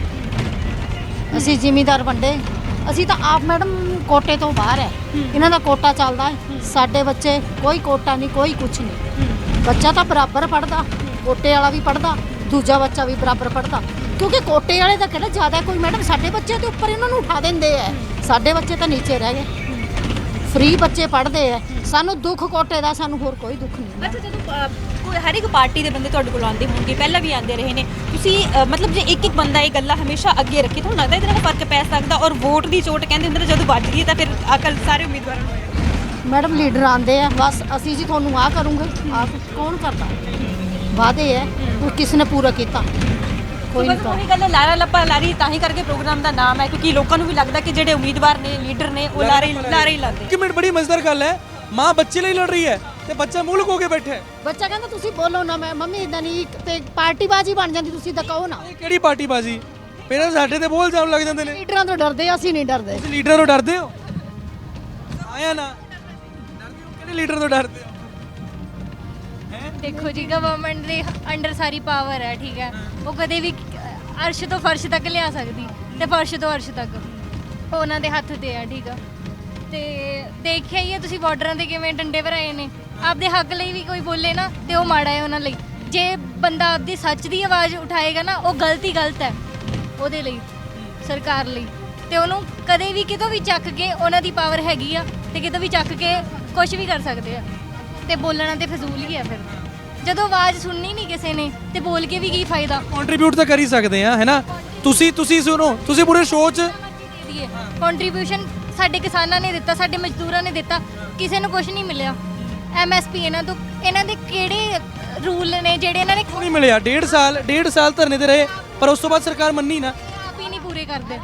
C: ਅਸੀਂ ਜ਼ਿਮੀਦਾਰ ਵੰਡੇ, ਅਸੀਂ ਤਾਂ ਆਪ ਮੈਡਮ ਕੋਟੇ ਤੋਂ ਬਾਹਰ ਹੈ, ਇਹਨਾਂ ਦਾ ਕੋਟਾ ਚੱਲਦਾ ਹੈ। ਸਾਡੇ ਬੱਚੇ ਕੋਈ ਕੋਟਾ ਨਹੀਂ, ਕੋਈ ਕੁਛ ਨਹੀਂ। ਬੱਚਾ ਤਾਂ ਬਰਾਬਰ ਪੜ੍ਹਦਾ, ਕੋਟੇ ਵਾਲਾ ਵੀ ਪੜ੍ਹਦਾ, ਦੂਜਾ ਬੱਚਾ ਵੀ ਬਰਾਬਰ ਪੜ੍ਹਦਾ। ਕਿਉਂਕਿ ਕੋਟੇ ਵਾਲੇ ਦਾ ਕਿਹੜਾ ਜ਼ਿਆਦਾ ਕੋਈ ਮੈਡਮ, ਸਾਡੇ ਬੱਚੇ ਦੇ ਉੱਪਰ ਇਹਨਾਂ ਨੂੰ ਉਠਾ ਦਿੰਦੇ ਹੈ, ਸਾਡੇ ਬੱਚੇ ਤਾਂ ਨੀਚੇ ਰਹਿ ਗਏ। ਫ੍ਰੀ ਬੱਚੇ ਪੜ੍ਹਦੇ ਹੈ, ਸਾਨੂੰ ਦੁੱਖ ਕੋਟੇ ਦਾ, ਸਾਨੂੰ ਹੋਰ ਕੋਈ ਦੁੱਖ ਨਹੀਂ।
F: ਅੱਛਾ ਜਦੋਂ ਅਹ, ਕੋਈ ਹਰ ਇੱਕ ਪਾਰਟੀ ਦੇ ਬੰਦੇ ਤੁਹਾਡੇ ਕੋਲ ਆਉਂਦੇ ਹੋਣਗੇ, ਪਹਿਲਾਂ ਵੀ ਆਉਂਦੇ ਰਹੇ ਨੇ, ਤੁਸੀਂ ਅਹ, ਮਤਲਬ ਜੇ ਇੱਕ ਇੱਕ ਬੰਦਾ ਇਹ ਗੱਲਾਂ ਹਮੇਸ਼ਾ ਅੱਗੇ ਰੱਖੇ, ਤੁਹਾਨੂੰ ਲੱਗਦਾ ਇਹਦੇ ਨਾਲ ਫਰਕ ਪੈ ਸਕਦਾ? ਔਰ ਵੋਟ ਦੀ ਚੋਟ ਕਹਿੰਦੇ ਹੁੰਦੇ ਨੇ ਜਦੋਂ ਵੱਜਦੀ ਹੈ ਤਾਂ ਫਿਰ ਅਕਲ ਸਾਰੇ ਉਮੀਦਵਾਰਾਂ ਨੂੰ ਆਏ।
C: ਮੈਡਮ ਲੀਡਰ ਆਉਂਦੇ ਆ ਬਸ ਅਸੀਂ ਜੀ ਤੁਹਾਨੂੰ ਆਹ ਕਰੂੰਗੇ, ਆਹ ਕੌਣ ਕਰਦਾ? ਵਾਅਦੇ ਹੈ ਉਹ ਕਿਸ ਨੇ ਪੂਰਾ ਕੀਤਾ? ਕੋਈ ਨਹੀਂ
F: ਬਸ ਉਹੀ ਗੱਲ ਹੈ, ਲਾਰਾ ਲੱਪਾ ਲਾਰੀ ਤਾਂ ਹੀ ਕਰਕੇ ਪ੍ਰੋਗਰਾਮ ਦਾ ਨਾਮ ਹੈ, ਕਿਉਂਕਿ ਲੋਕਾਂ ਨੂੰ ਵੀ ਲੱਗਦਾ ਕਿ ਜਿਹੜੇ ਉਮੀਦਵਾਰ ਨੇ, ਲੀਡਰ ਨੇ, ਉਹ ਲਾਰੇ ਲਾਰੇ ਹੀ ਲਾਉਂਦੇ।
A: ਇੱਕ ਮਿੰਟ, ਬੜੀ ਮਜ਼ੇਦਾਰ ਗੱਲ ਹੈ, ਮਾਂ ਬੱਚੇ ਲਈ ਲੜ ਰਹੀ ਹੈ ਤੇ ਬੱਚਾ ਮੂੰਹ ਲੁਕੋ ਕੇ ਬੈਠਾ ਹੈ।
C: ਬੱਚਾ ਕਹਿੰਦਾ ਤੁਸੀਂ ਬੋਲੋ ਨਾ, ਮੈਂ ਮੰਮੀ ਇਦਾਂ ਨਹੀਂ, ਤੇ ਪਾਰਟੀ ਬਾਜੀ ਬਣ ਜਾਂਦੀ, ਤੁਸੀਂ ਤਾਂ ਕਹੋ ਨਾ।
A: ਇਹ ਕਿਹੜੀ ਪਾਰਟੀ ਬਾਜੀ? ਪੇਰੈਂਟਸ ਸਾਡੇ ਤੇ ਬੋਲ ਜਾਣ ਲੱਗ ਜਾਂਦੇ ਨੇ।
C: ਲੀਡਰਾਂ ਤੋਂ ਡਰਦੇ ਆ, ਅਸੀਂ ਨਹੀਂ ਡਰਦੇ।
A: ਤੁਸੀਂ ਲੀਡਰਾਂ ਤੋਂ ਡਰਦੇ ਹੋ? ਆਇਆ ਨਾ ਡਰਦੇ ਹੋ? ਕਿਹੜੇ ਲੀਡਰ ਤੋਂ ਡਰਦੇ ਹੋ?
E: ਦੇਖੋ ਜੀ ਗਵਰਨਮੈਂਟ ਦੇ ਅੰਡਰ ਸਾਰੀ ਪਾਵਰ ਹੈ, ਠੀਕ ਹੈ, ਉਹ ਕਦੇ ਵੀ ਅਰਸ਼ ਤੋਂ ਫਰਸ਼ ਤੱਕ ਲਿਆ ਸਕਦੀ ਤੇ ਫਰਸ਼ ਤੋਂ ਅਰਸ਼ ਤੱਕ ਉਹ ਉਹਨਾਂ ਦੇ ਹੱਥ ਤੇ ਹੈ, ਠੀਕ ਆ। ਤੇ ਦੇਖਿਆ ਹੀ ਹੈ ਤੁਸੀਂ ਬਾਰਡਰਾਂ ਤੇ ਕਿਵੇਂ ਡੰਡੇ ਭਰਾਏ ਨੇ। ਆਪਦੇ ਹੱਕ ਲਈ ਵੀ ਕੋਈ ਬੋਲੇ ਨਾ ਤੇ ਉਹ ਮਾੜਾ ਹੈ ਉਹਨਾਂ ਲਈ। ਜੇ ਬੰਦਾ ਆਪਦੀ ਸੱਚ ਦੀ ਆਵਾਜ਼ ਉਠਾਏਗਾ ਨਾ, ਉਹ ਗਲਤ ਹੀ ਗਲਤ ਹੈ ਉਹਦੇ ਲਈ, ਸਰਕਾਰ ਲਈ। ਤੇ ਉਹਨੂੰ ਕਦੇ ਵੀ ਕਿਤੋਂ ਵੀ ਚੱਕ ਕੇ, ਉਹਨਾਂ ਦੀ ਪਾਵਰ ਹੈਗੀ ਆ ਤੇ ਕਿਤੋਂ ਵੀ ਚੱਕ ਕੇ ਕੁਝ ਵੀ ਕਰ ਸਕਦੇ ਆ। ਤੇ ਬੋਲਣਾ ਤੇ ਫਜ਼ੂਲ ਹੀ ਆ ਫਿਰ, ਜਦੋਂ ਆਵਾਜ਼ ਸੁਣਨੀ ਨਹੀਂ ਕਿਸੇ ਨੇ ਤੇ ਬੋਲ ਕੇ ਵੀ ਕੀ ਫਾਇਦਾ?
A: ਕੰਟਰੀਬਿਊਟ ਤਾਂ ਕਰ ਹੀ ਸਕਦੇ ਆ, ਹੈ ਨਾ? ਤੁਸੀਂ ਤੁਸੀਂ ਸੁਣੋ, ਤੁਸੀਂ ਪੂਰੇ ਸ਼ੋਅ 'ਚ
E: ਕੰਟਰੀਬਿਊਸ਼ਨ ਸਾਡੇ ਕਿਸਾਨਾਂ ਨੇ ਦਿੱਤਾ, ਸਾਡੇ ਮਜ਼ਦੂਰਾਂ ਨੇ ਦਿੱਤਾ, ਕਿਸੇ ਨੂੰ ਕੁਝ ਨਹੀਂ ਮਿਲਿਆ। ਐਮਐਸਪੀ ਇਹਨਾਂ ਤੋਂ, ਇਹਨਾਂ ਦੇ ਕਿਹੜੇ ਰੂਲ ਨੇ ਜਿਹੜੇ ਇਹਨਾਂ ਨੇ
A: ਕਿਉਂ ਨਹੀਂ ਮਿਲਿਆ? ਡੇਢ ਸਾਲ ਡੇਢ ਸਾਲ ਧਰਨੇ ਤੇ ਰਹੇ ਪਰ ਉਸ ਤੋਂ ਬਾਅਦ ਸਰਕਾਰ ਮੰਨੀ ਨਾ।
E: ਆਪ ਹੀ ਨਹੀਂ ਪੂਰੇ ਕਰਦੇ।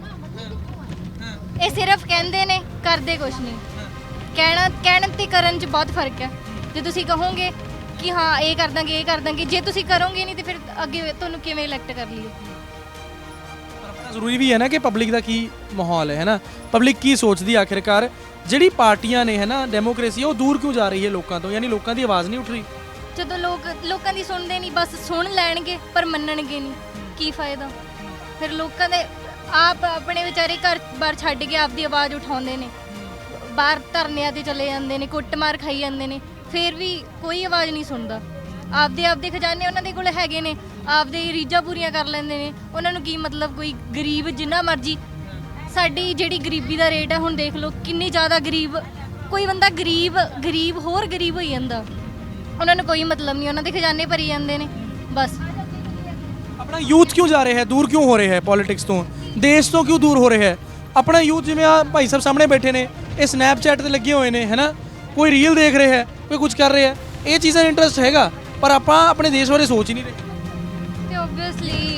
E: ਇਹ ਸਿਰਫ ਕਹਿੰਦੇ ਨੇ, ਕਰਦੇ ਕੁਝ ਨਹੀਂ। ਕਹਿਣਾ ਕਹਿਣ ਤੇ ਕਰਨ 'ਚ ਬਹੁਤ ਫਰਕ ਹੈ। ਜੇ ਤੁਸੀਂ ਕਹੋਗੇ ਕਿ ਹਾਂ ਇਹ ਕਰ ਦਾਂਗੇ, ਇਹ ਕਰ ਦਾਂਗੇ, ਜੇ ਤੁਸੀਂ ਕਰੋਗੇ ਨਹੀਂ ਤੇ ਫਿਰ ਅੱਗੇ ਤੁਹਾਨੂੰ ਕਿਵੇਂ ਇਲੈਕਟ ਕਰ ਲਈਏ?
A: ਜ਼ਰੂਰੀ ਵੀ ਹੈ ਨਾ ਕਿ ਪਬਲਿਕ ਦਾ ਕੀ ਮਾਹੌਲ ਹੈ, ਹੈ ਨਾ? ਪਬਲਿਕ ਕੀ ਸੋਚਦੀ ਆਖਿਰਕਾਰ? ਜਿਹੜੀ ਪਾਰਟੀਆਂ ਨੇ, ਹੈ ਨਾ, ਡੈਮੋਕ੍ਰੇਸੀ, ਉਹ ਦੂਰ ਕਿਉਂ ਜਾ ਰਹੀ ਹੈ ਲੋਕਾਂ ਤੋਂ? ਯਾਨੀ ਲੋਕਾਂ ਦੀ ਆਵਾਜ਼ ਨਹੀਂ ਉੱਠ ਰਹੀ।
E: ਜਦੋਂ ਲੋਕ ਲੋਕਾਂ ਦੀ ਸੁਣਦੇ ਨਹੀਂ, ਬਸ ਸੁਣ ਲੈਣਗੇ ਪਰ ਮੰਨਣਗੇ ਨਹੀਂ, ਕੀ ਫਾਇਦਾ? ਫਿਰ ਲੋਕਾਂ ਦੇ ਆਪ ਆਪਣੇ ਵਿਚਾਰੇ ਘਰ ਬਾਹਰ ਛੱਡ ਕੇ ਆਪਦੀ ਆਵਾਜ਼ ਉਠਾਉਂਦੇ ਨੇ, ਬਾਹਰ ਧਰਨਿਆਂ ਤੇ ਚਲੇ ਜਾਂਦੇ ਨੇ, ਕੁੱਟਮਾਰ ਖਾਈ ਜਾਂਦੇ ਨੇ, ਫਿਰ ਵੀ ਕੋਈ ਆਵਾਜ਼ ਨਹੀਂ ਸੁਣਦਾ। ਆਪਦੇ ਆਪਦੇ ਖਜ਼ਾਨੇ ਉਹਨਾਂ ਦੇ ਕੋਲ ਹੈਗੇ ਨੇ, ਆਪਦੇ ਰੀਝਾਂ ਪੂਰੀਆਂ ਕਰ ਲੈਂਦੇ ਨੇ। ਉਹਨਾਂ ਨੂੰ ਕੀ ਮਤਲਬ ਕੋਈ ਗਰੀਬ ਜਿੰਨਾ ਮਰਜ਼ੀ ਸਾਡੀ ਜਿਹੜੀ ਗਰੀਬੀ ਦਾ ਰੇਟ ਹੈ ਹੁਣ ਦੇਖ ਲਓ ਕਿੰਨੀ ਜ਼ਿਆਦਾ ਗਰੀਬ ਕੋਈ ਬੰਦਾ ਗਰੀਬ ਗਰੀਬ ਹੋਰ ਗਰੀਬ ਹੋਈ ਜਾਂਦਾ ਉਹਨਾਂ ਨੂੰ ਕੋਈ ਮਤਲਬ ਨਹੀਂ ਉਹਨਾਂ ਦੇ ਖਜ਼ਾਨੇ ਭਰੀ ਜਾਂਦੇ ਨੇ ਬਸ।
A: ਆਪਣਾ ਯੂਥ ਕਿਉਂ ਜਾ ਰਿਹਾ ਹੈ ਦੂਰ ਕਿਉਂ ਹੋ ਰਿਹਾ ਹੈ ਪੋਲਿਟਿਕਸ ਤੋਂ ਦੇਸ਼ ਤੋਂ ਕਿਉਂ ਦੂਰ ਹੋ ਰਿਹਾ ਹੈ ਆਪਣਾ ਯੂਥ ਜਿਵੇਂ ਆ ਭਾਈ ਸਾਹਿਬ ਸਾਹਮਣੇ ਬੈਠੇ ਨੇ ਇਹ ਸਨੈਪਚੈਟ ਤੇ ਲੱਗੇ ਹੋਏ ਨੇ ਹੈਨਾ ਕੋਈ ਰੀਲ ਦੇਖ ਰਿਹਾ ਹੈ ਕੋਈ ਕੁਝ ਕਰ ਰਿਹਾ ਹੈ ਇਹ ਚੀਜ਼ਾਂ ਇੰਟਰਸਟ ਹੈਗਾ ਪਰ ਆਪਾਂ ਆਪਣੇ ਦੇਸ਼ ਬਾਰੇ ਸੋਚ ਹੀ ਨਹੀਂ ਰਹੇ
E: ਤੇ ਓਬਵੀਅਸਲੀ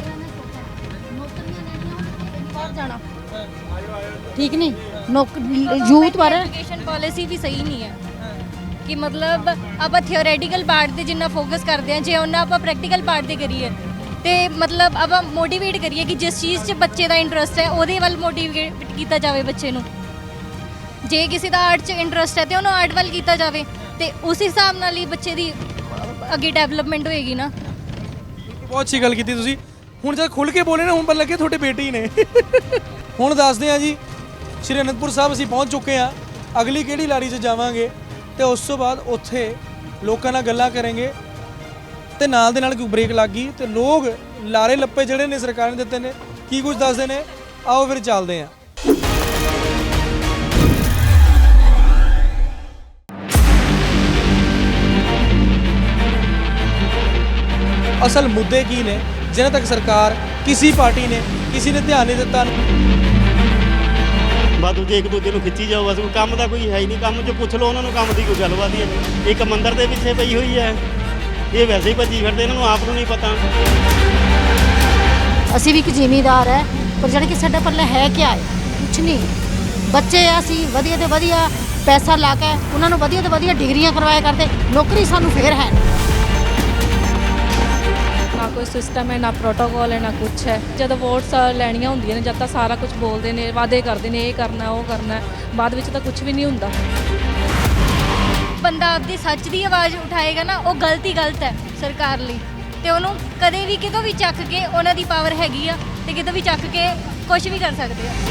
C: ਬਾਹਰ ਜਾਣਾ ਠੀਕ ਨਹੀਂ ਨੌਕਰੀ ਯੂਥ ਬਾਰੇ
E: ਐਜੂਕੇਸ਼ਨ ਪਾਲਿਸੀ ਵੀ ਸਹੀ ਨਹੀਂ ਹੈ ਕਿ ਮਤਲਬ ਆਪਾਂ ਥਿਓਰੈਟੀਕਲ ਪਾਰਟ ਤੇ ਜਿੰਨਾ ਫੋਕਸ ਕਰਦੇ ਹਾਂ ਜੇ ਉਹਨਾਂ ਆਪਾਂ ਪ੍ਰੈਕਟੀਕਲ ਪਾਰਟ ਤੇ ਕਰੀਏ ਤੇ ਮਤਲਬ ਆਪਾਂ ਮੋਟੀਵੇਟ ਕਰੀਏ ਕਿ ਜਿਸ ਚੀਜ਼ 'ਚ ਬੱਚੇ ਦਾ ਇੰਟਰਸਟ ਹੈ ਉਹਦੇ ਵੱਲ ਮੋਟੀਵੇਟ ਕੀਤਾ ਜਾਵੇ ਬੱਚੇ ਨੂੰ। ਜੇ ਕਿਸੇ ਦਾ ਆਰਟ 'ਚ ਇੰਟਰਸਟ ਹੈ ਤੇ ਉਹਨੂੰ ਆਰਟ ਵੱਲ ਕੀਤਾ ਜਾਵੇ ਤੇ ਉਸ ਹਿਸਾਬ ਨਾਲ ਹੀ ਬੱਚੇ ਦੀ ਅੱਗੇ ਡਿਵੈਲਪਮੈਂਟ ਹੋਏਗੀ ਨਾ।
A: ਬਹੁਤ ਅੱਛੀ ਗੱਲ ਕੀਤੀ ਤੁਸੀਂ ਹੁਣ ਜਦ ਖੁੱਲ ਕੇ ਬੋਲੇ ਨਾ ਹੁਣ ਪਤਾ ਲੱਗੇ ਤੁਹਾਡੇ ਬੇਟੇ ਹੀ ਨੇ। ਹੁਣ ਦੱਸਦੇ ਹਾਂ ਜੀ ਸ਼੍ਰੀ ਅਨੰਦਪੁਰ ਸਾਹਿਬ ਅਸੀਂ ਪਹੁੰਚ ਚੁੱਕੇ ਹਾਂ ਅਗਲੀ ਕਿਹੜੀ ਲਾਰੀ 'ਚ ਜਾਵਾਂਗੇ ਤੇ ਉਸ ਤੋਂ ਬਾਅਦ ਉੱਥੇ ਲੋਕਾਂ ਨਾਲ ਗੱਲਾਂ ਕਰਾਂਗੇ ਤੇ ਨਾਲ ਦੇ ਨਾਲ ਕੋਈ ਬ੍ਰੇਕ ਲੱਗ ਗਈ ਤੇ ਲੋਕ ਲਾਰੇ ਲੱਪੇ ਜਿਹੜੇ ਨੇ ਸਰਕਾਰ ਨੇ ਦਿੱਤੇ ਨੇ ਕੀ ਕੁਝ ਦੱਸਦੇ ਨੇ ਆਓ ਫਿਰ ਚੱਲਦੇ ਹਾਂ। ਅਸਲ ਮੁੱਦੇ ਕੀ ਨੇ ਜਿਨ੍ਹਾਂ ਤੱਕ ਸਰਕਾਰ ਕਿਸੇ ਪਾਰਟੀ ਨੇ ਕਿਸੇ ਨੇ ਧਿਆਨ ਨਹੀਂ ਦਿੱਤਾ
B: ਬਸ ਦੂਜੇ ਇੱਕ ਦੂਜੇ ਨੂੰ ਖਿੱਚੀ ਜਾਓ ਬਸ ਕੋਈ ਕੰਮ ਦਾ ਕੋਈ ਹੈ ਹੀ ਨਹੀਂ ਕੰਮ 'ਚ ਪੁੱਛ ਲਓ ਉਹਨਾਂ ਨੂੰ ਕੰਮ ਦੀ ਕੋਈ ਗੱਲਬਾਤ ਹੀ ਨਹੀਂ ਇੱਕ ਮੰਦਰ ਦੇ ਪਿੱਛੇ ਪਈ ਹੋਈ ਹੈ ਇਹ ਵੈਸੇ ਹੀ ਭੱਜੀ ਫਿਰਦੇ ਇਹਨਾਂ ਨੂੰ ਆਪ ਨੂੰ ਨਹੀਂ ਪਤਾ।
C: ਅਸੀਂ ਵੀ ਇੱਕ ਜ਼ਿਮੀਂਦਾਰ ਹੈ ਪਰ ਜਿਹੜਾ ਕਿ ਸਾਡਾ ਪੱਲੇ ਹੈ ਕੀ ਹੈ ਕੁਛ ਨਹੀਂ ਬੱਚੇ ਆ ਅਸੀਂ ਵਧੀਆ ਤੇ ਵਧੀਆ ਪੈਸਾ ਲਾ ਕੇ ਉਹਨਾਂ ਨੂੰ ਵਧੀਆ ਤੇ ਵਧੀਆ ਡਿਗਰੀਆਂ ਕਰਵਾਇਆ ਕਰਦੇ ਨੌਕਰੀ ਸਾਨੂੰ ਫੇਰ ਹੈ
D: ਨਾ ਕੋਈ ਸਿਸਟਮ ਹੈ ਨਾ ਪ੍ਰੋਟੋਕੋਲ ਹੈ ਨਾ ਕੁਛ ਹੈ ਜਦੋਂ ਵੋਟਸ ਲੈਣੀਆਂ ਹੁੰਦੀਆਂ ਨੇ ਜਦ ਤਾਂ ਸਾਰਾ ਕੁਝ ਬੋਲਦੇ ਨੇ ਵਾਅਦੇ ਕਰਦੇ ਨੇ ਇਹ ਕਰਨਾ ਉਹ ਕਰਨਾ ਬਾਅਦ ਵਿੱਚ ਤਾਂ ਕੁਝ ਵੀ ਨਹੀਂ ਹੁੰਦਾ।
E: ਬੰਦਾ ਆਪਦੀ ਸੱਚ ਦੀ ਆਵਾਜ਼ ਉਠਾਏਗਾ ਨਾ ਉਹ ਗਲਤ ਹੀ ਗਲਤ ਹੈ ਸਰਕਾਰ ਲਈ ਤੇ ਉਹਨੂੰ ਕਦੇ ਵੀ ਕਿਤੋਂ ਵੀ ਚੱਕ ਕੇ ਉਹਨਾਂ ਦੀ ਪਾਵਰ ਹੈਗੀ ਆ ਤੇ ਕਿਤੋਂ ਵੀ ਚੱਕ ਕੇ ਕੁਝ ਵੀ ਕਰ ਸਕਦੇ ਆ।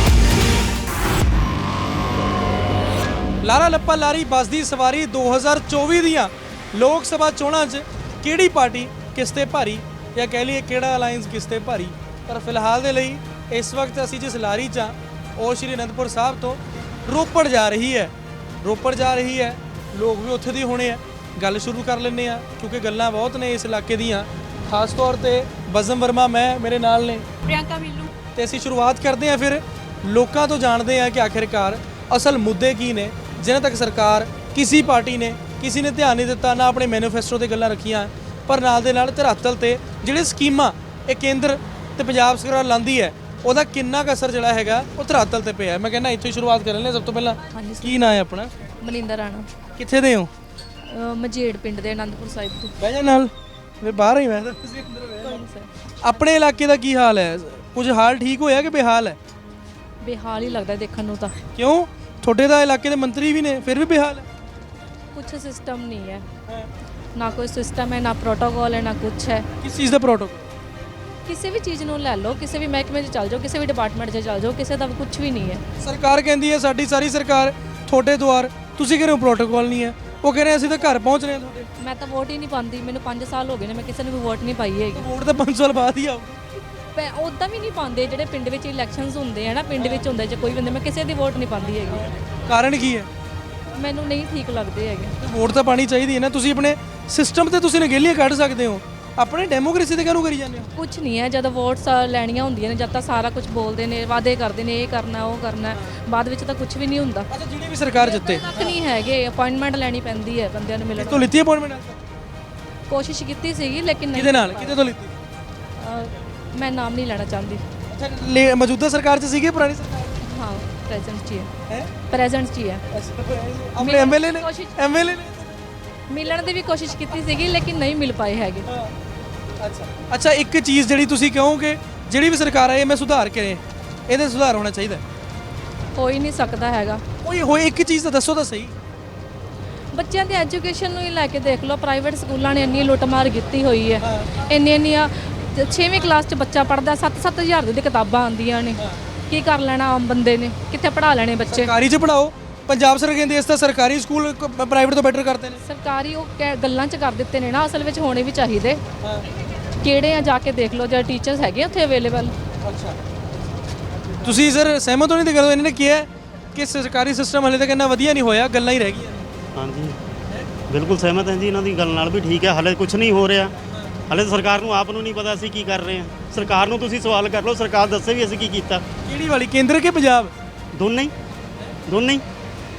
A: ਲਾਰਾ ਲੱਪਾ ਲਾਰੀ ਬੱਸ ਦੀ ਸਵਾਰੀ ਦੋ ਹਜ਼ਾਰ ਚੌਵੀ ਦੀਆਂ ਲੋਕ ਸਭਾ ਚੋਣਾਂ 'ਚ ਕਿਹੜੀ ਪਾਰਟੀ ਕਿਸ ਤੇ ਭਾਰੀ ਜਾਂ ਕਹਿ ਲਈਏ ਕਿਹੜਾ ਅਲਾਈਅੰਸ ਕਿਸ ਤੇ ਭਾਰੀ ਪਰ ਫਿਲਹਾਲ ਦੇ ਲਈ ਇਸ ਵਕਤ ਅਸੀਂ ਜਿਸ ਲਾਰੀ 'ਚ ਹਾਂ ਉਹ ਸ਼੍ਰੀ ਅਨੰਦਪੁਰ ਸਾਹਿਬ ਤੋਂ ਰੋਪੜ ਜਾ ਰਹੀ ਹੈ ਰੋਪੜ ਜਾ ਰਹੀ ਹੈ ਲੋਕ ਵੀ ਉੱਥੇ ਦੇ ਹੋਣੇ ਆ ਗੱਲ ਸ਼ੁਰੂ ਕਰ ਲੈਂਦੇ ਆ ਕਿਉਂਕਿ ਗੱਲਾਂ ਬਹੁਤ ਨੇ ਇਸ ਇਲਾਕੇ ਦੀਆਂ ਖਾਸ ਤੌਰ ਤੇ ਬਜ਼ਮ ਵਰਮਾ ਮੈਂ ਮੇਰੇ ਨਾਲ ਨੇ
F: ਪ੍ਰਿਯੰਕਾ ਮਿੱਲੂ
A: ਤੇ ਅਸੀਂ ਸ਼ੁਰੂਆਤ ਕਰਦੇ ਹਾਂ ਫਿਰ ਲੋਕਾਂ ਤੋਂ ਜਾਣਦੇ ਹਾਂ ਕਿ ਆਖਿਰਕਾਰ ਅਸਲ ਮੁੱਦੇ ਕੀ ਨੇ ਜਿਨ੍ਹਾਂ ਤੱਕ ਸਰਕਾਰ ਕਿਸੇ ਪਾਰਟੀ ਨੇ ਕਿਸੇ ਨੇ ਧਿਆਨ ਨਹੀਂ ਦਿੱਤਾ ਨਾ ਆਪਣੇ ਮੈਨੀਫੈਸਟੋ ਤੇ ਗੱਲਾਂ ਰੱਖੀਆਂ ਪਰ ਨਾਲ ਦੇ ਨਾਲ ਧਰਾਤਲ ਤੇ ਜਿਹੜੇ ਸਕੀਮਾਂ ਇਹ ਕੇਂਦਰ ਤੇ ਪੰਜਾਬ ਸਰਕਾਰ ਲਾਂਦੀ ਹੈ ਉਹਦਾ ਕਿੰਨਾ ਕੁ ਅਸਰ ਜਿਹੜਾ ਹੈਗਾ ਉਹ ਧਰਾਤਲ ਤੇ ਪਿਆ ਮੈਂ ਕਹਿੰਦਾ ਇੱਥੇ ਸ਼ੁਰੂਆਤ ਕਰ ਲੈਂਦੇ ਸਭ ਤੋਂ ਪਹਿਲਾਂ ਕੀ ਨਾਂ ਹੈ ਆਪਣਾ
D: ਮਨਿੰਦਰ ਰਾਣਾ
A: ਕਿੱਥੇ ਦੇ ਹੋ
D: ਅਹ ਮਝੇੜ ਪਿੰਡ ਦੇ ਆਨੰਦਪੁਰ ਸਾਹਿਬ ਤੋਂ।
A: ਬਹਿ ਜਾ ਨਾਲ ਮੈਂ ਬਾਹਰ ਹੀ ਮੈਂ ਤਾਂ ਤੁਸੀਂ ਅੰਦਰ ਬਹਿ ਜਾ। ਆਪਣੇ ਇਲਾਕੇ ਦਾ ਕੀ ਹਾਲ ਹੈ ਕੁਝ ਹਾਲ ਠੀਕ ਹੋਇਆ ਕਿ ਬੇਹਾਲ ਹੈ
D: ਬੇਹਾਲ ਹੀ ਲੱਗਦਾ ਦੇਖਣ ਨੂੰ ਤਾਂ
A: ਕਿਉਂ ਤੁਹਾਡੇ ਦਾ ਇਲਾਕੇ ਦੇ ਮੰਤਰੀ ਵੀ ਨੇ ਫਿਰ ਵੀ ਬੇਹਾਲ ਹੈ
D: ਕੁਛ ਸਿਸਟਮ ਨਹੀਂ ਹੈ ਨਾ ਕੋਈ ਸਿਸਟਮ ਹੈ ਨਾ ਪ੍ਰੋਟੋਕੋਲ ਹੈ ਨਾ ਕੁਛ ਹੈ
A: ਕਿਸ ਚੀਜ਼ ਦਾ ਪ੍ਰੋਟੋਕੋਲ
D: ਕਿਸੇ ਵੀ ਚੀਜ਼ ਨੂੰ ਲੈ ਲਓ ਕਿਸੇ ਵੀ ਮਹਿਕਮੇ 'ਚ ਚੱਲ ਜਾਓ ਕਿਸੇ ਵੀ ਡਿਪਾਰਟਮੈਂਟ 'ਚ ਚੱਲ ਜਾਓ ਕਿਸੇ ਦਾ ਕੁਝ ਵੀ ਨਹੀਂ ਹੈ।
A: ਸਰਕਾਰ ਕਹਿੰਦੀ ਹੈ ਸਾਡੀ ਸਾਰੀ ਸਰਕਾਰ ਤੁਹਾਡੇ ਦੁਆਰ ਤੁਸੀਂ ਕਹਿੰਦੇ ਹੋ ਪ੍ਰੋਟੋਕੋਲ ਨਹੀਂ ਹੈ ਉਹ ਕਹਿੰਦੇ ਅਸੀਂ ਤਾਂ ਘਰ ਪਹੁੰਚ ਰਹੇ ਹਾਂ ਤੁਹਾਡੇ
D: ਮੈਂ ਤਾਂ ਵੋਟ ਹੀ ਨਹੀਂ ਪਾਉਂਦੀ ਮੈਨੂੰ ਪੰਜ ਸਾਲ ਹੋ ਗਏ ਨੇ ਮੈਂ ਕਿਸੇ ਨੂੰ ਵੀ ਵੋਟ ਨਹੀਂ ਪਾਈ ਹੈਗੀ
A: ਵੋਟ ਤਾਂ ਪੰਜ ਸਾਲ ਬਾਅਦ ਹੀ ਆਉ
D: ਪੈ ਉਦਾਂ ਵੀ ਨਹੀਂ ਪਾਉਂਦੇ ਜਿਹੜੇ ਪਿੰਡ ਵਿੱਚ ਇਲੈਕਸ਼ਨਸ ਹੁੰਦੇ ਆ ਨਾ ਪਿੰਡ ਵਿੱਚ ਹੁੰਦੇ ਜੇ ਕੋਈ ਬੰਦੇ ਮੈਂ ਕਿਸੇ ਦੀ ਵੋਟ ਨਹੀਂ ਪਾਉਂਦੀ ਹੈਗੀ
A: ਕਾਰਨ ਕੀ ਹੈ
D: ਮੈਨੂੰ ਨਹੀਂ ਠੀਕ ਲੱਗਦੇ ਹੈਗੇ
A: ਵੋਟ ਤਾਂ ਪਾਣੀ ਚਾਹੀਦੀ ਹੈ ਨਾ ਤੁਸੀਂ ਆਪਣੇ ਸਿਸਟਮ ਤੇ ਤੁਸੀਂ ਨਗੇਲੀਆਂ ਕੱਢ ਸਕਦੇ ਹੋ ਆਪਣੇ ਡੈਮੋਕ੍ਰੇਸੀ ਤੇ ਕਾਹਨੂੰ ਕਰੀ ਜਾਂਦੇ ਹੋ
D: ਕੁਝ ਨਹੀਂ ਹੈ ਜਦੋਂ ਵੋਟਸ ਲੈਣੀਆਂ ਹੁੰਦੀਆਂ ਨੇ ਜਦ ਤਾਂ ਸਾਰਾ ਕੁਝ ਬੋਲਦੇ ਨੇ ਵਾਅਦੇ ਕਰਦੇ ਨੇ ਇਹ ਕਰਨਾ ਉਹ ਕਰਨਾ ਬਾਅਦ ਵਿੱਚ ਤਾਂ ਕੁਝ ਵੀ ਨਹੀਂ ਹੁੰਦਾ
A: ਅੱਛਾ ਜਿਹੜੀ ਵੀ ਸਰਕਾਰ ਜਿੱਤੇ
D: ਤੱਕ ਨਹੀਂ ਹੈਗੇ ਅਪਾਇੰਟਮੈਂਟ ਲੈਣੀ ਪੈਂਦੀ ਹੈ ਬੰਦਿਆਂ ਨੂੰ ਮਿਲਣ
A: ਤੋਂ ਲਿੱਤੀ ਅਪਾਇੰਟਮੈਂਟ
D: ਕੋਸ਼ਿਸ਼ ਕੀਤੀ ਸੀਗੀ ਲੇਕਿਨ ਨਹੀਂ
A: ਕਿਹਦੇ ਨਾਲ ਕਿਹਦੇ ਤੋਂ ਲਿੱਤੀ
D: ਅਹ ਮੈਂ ਨਾਮ ਨਹੀਂ ਲੈਣਾ ਚਾਹੁੰਦੀ
A: ਅੱਛਾ ਲੈ- ਮੌਜੂਦਾ ਸਰਕਾਰ 'ਚ ਸੀਗੀ ਪੁਰਾਣੀ ਸਰਕਾਰ
D: ਹਾਂ ਪ੍ਰੈਜ਼ੈਂਟ 'ਚ ਹੀ ਹੈ
A: ਹੈ
D: ਪ੍ਰੈਜ਼ੈਂਟ 'ਚ ਹੀ ਹੈ
A: ਆਪਣੇ ਐਮਐਲਏ ਨੇ
D: ਕੋਸ਼ਿਸ਼-
A: ਐਮਐਲਏ ਨੇ
D: ਮਿਲਣ ਦੀ ਵੀ ਕੋਸ਼ਿਸ਼ ਕੀਤੀ ਸੀਗੀ ਲੇਕਿਨ ਨਹੀਂ ਮਿਲ ਪਾਏ ਹੈਗੇ
A: ਅੱਛਾ ਅੱਛਾ ਇੱਕ ਚੀਜ਼ ਜਿਹੜੀ ਤੁਸੀਂ ਕਹੋਗੇ ਜਿਹੜੀ ਵੀ ਸਰਕਾਰ ਆਏ ਮੈਂ ਸੁਧਾਰ ਕਰੇ ਇਹਦੇ ਸੁਧਾਰ ਹੋਣਾ ਚਾਹੀਦਾ
D: ਹੋ ਹੀ ਨਹੀਂ ਸਕਦਾ ਹੈਗਾ
A: ਕੋਈ ਹੋਏ ਇੱਕ ਚੀਜ਼ ਤਾਂ ਦੱਸੋ ਤਾਂ ਸਹੀ
D: ਬੱਚਿਆਂ ਦੀ ਐਜੂਕੇਸ਼ਨ ਨੂੰ ਹੀ ਲੈ ਕੇ ਦੇਖ ਲਓ ਪ੍ਰਾਈਵੇਟ ਸਕੂਲਾਂ ਨੇ ਇੰਨੀ ਲੁੱਟਮਾਰ ਕੀਤੀ ਹੋਈ ਹੈ ਇੰਨੀ ਇੰਨੀਆਂ ਛੇਵੀਂ ਕਲਾਸ 'ਚ ਬੱਚਾ ਪੜ੍ਹਦਾ ਸੱਤ ਸੱਤ ਹਜ਼ਾਰ ਦੀ ਕਿਤਾਬਾਂ ਆਉਂਦੀਆਂ ਨੇ ਕੀ ਕਰ ਲੈਣਾ ਆਮ ਬੰਦੇ ਨੇ ਕਿੱਥੇ ਪੜ੍ਹਾ ਲੈਣੇ ਬੱਚੇ
A: ਸਰਕਾਰੀ 'ਚ ਪੜਾਓ ਪੰਜਾਬ ਸਰਕਾਰ ਕਹਿੰਦੀ ਇਸ ਤਾਂ ਸਰਕਾਰੀ ਸਕੂਲ ਪ੍ਰਾਈਵੇਟ ਤੋਂ ਬੈਟਰ ਕਰਦੇ ਨੇ
D: ਸਰਕਾਰੀ ਉਹ ਕਹਿ- ਗੱਲਾਂ 'ਚ ਕਰ ਦਿੱਤੇ ਨੇ ਨਾ ਅਸਲ ਵਿੱਚ ਹੋਣੇ ਵੀ ਚਾਹੀਦੇ ਕਿਹੜੇ ਆ ਜਾ ਕੇ ਦੇਖ ਲਓ ਜਿਹੜੇ ਟੀਚਰਸ ਹੈਗੇ ਉੱਥੇ ਅਵੇਲੇਬਲ
A: ਅੱਛਾ ਤੁਸੀਂ ਸਰ ਸਹਿਮਤ ਹੋ ਨਹੀਂ ਤੇ ਕਰੋ ਇਹਨਾਂ ਨੇ ਕਿਹਾ ਕਿ ਸਰਕਾਰੀ ਸਿਸਟਮ ਹਲੇ ਤੱਕ ਇੰਨਾ ਵਧੀਆ ਨਹੀਂ ਹੋਇਆ, ਗੱਲਾਂ ਹੀ ਰਹਿ ਗਈਆਂ।
B: ਹਾਂਜੀ ਬਿਲਕੁਲ ਸਹਿਮਤ ਹਾਂ ਜੀ ਇਹਨਾਂ ਦੀ ਗੱਲ ਨਾਲ ਵੀ ਠੀਕ ਹੈ। ਹਲੇ ਕੁਝ ਨਹੀਂ ਹੋ ਰਿਹਾ, ਹਲੇ ਤਾਂ ਸਰਕਾਰ ਨੂੰ ਆਪ ਨੂੰ ਨਹੀਂ ਪਤਾ ਅਸੀਂ ਕੀ ਕਰ ਰਹੇ ਹਾਂ। ਸਰਕਾਰ ਨੂੰ ਤੁਸੀਂ ਸਵਾਲ ਕਰ ਲਓ, ਸਰਕਾਰ ਦੱਸੇ ਵੀ ਅਸੀਂ ਕੀ ਕੀਤਾ।
A: ਕਿਹੜੀ ਵਾਲੀ, ਕੇਂਦਰ ਕਿ ਪੰਜਾਬ?
B: ਦੋਨੇ ਹੀ ਦੋਨੇ ਹੀ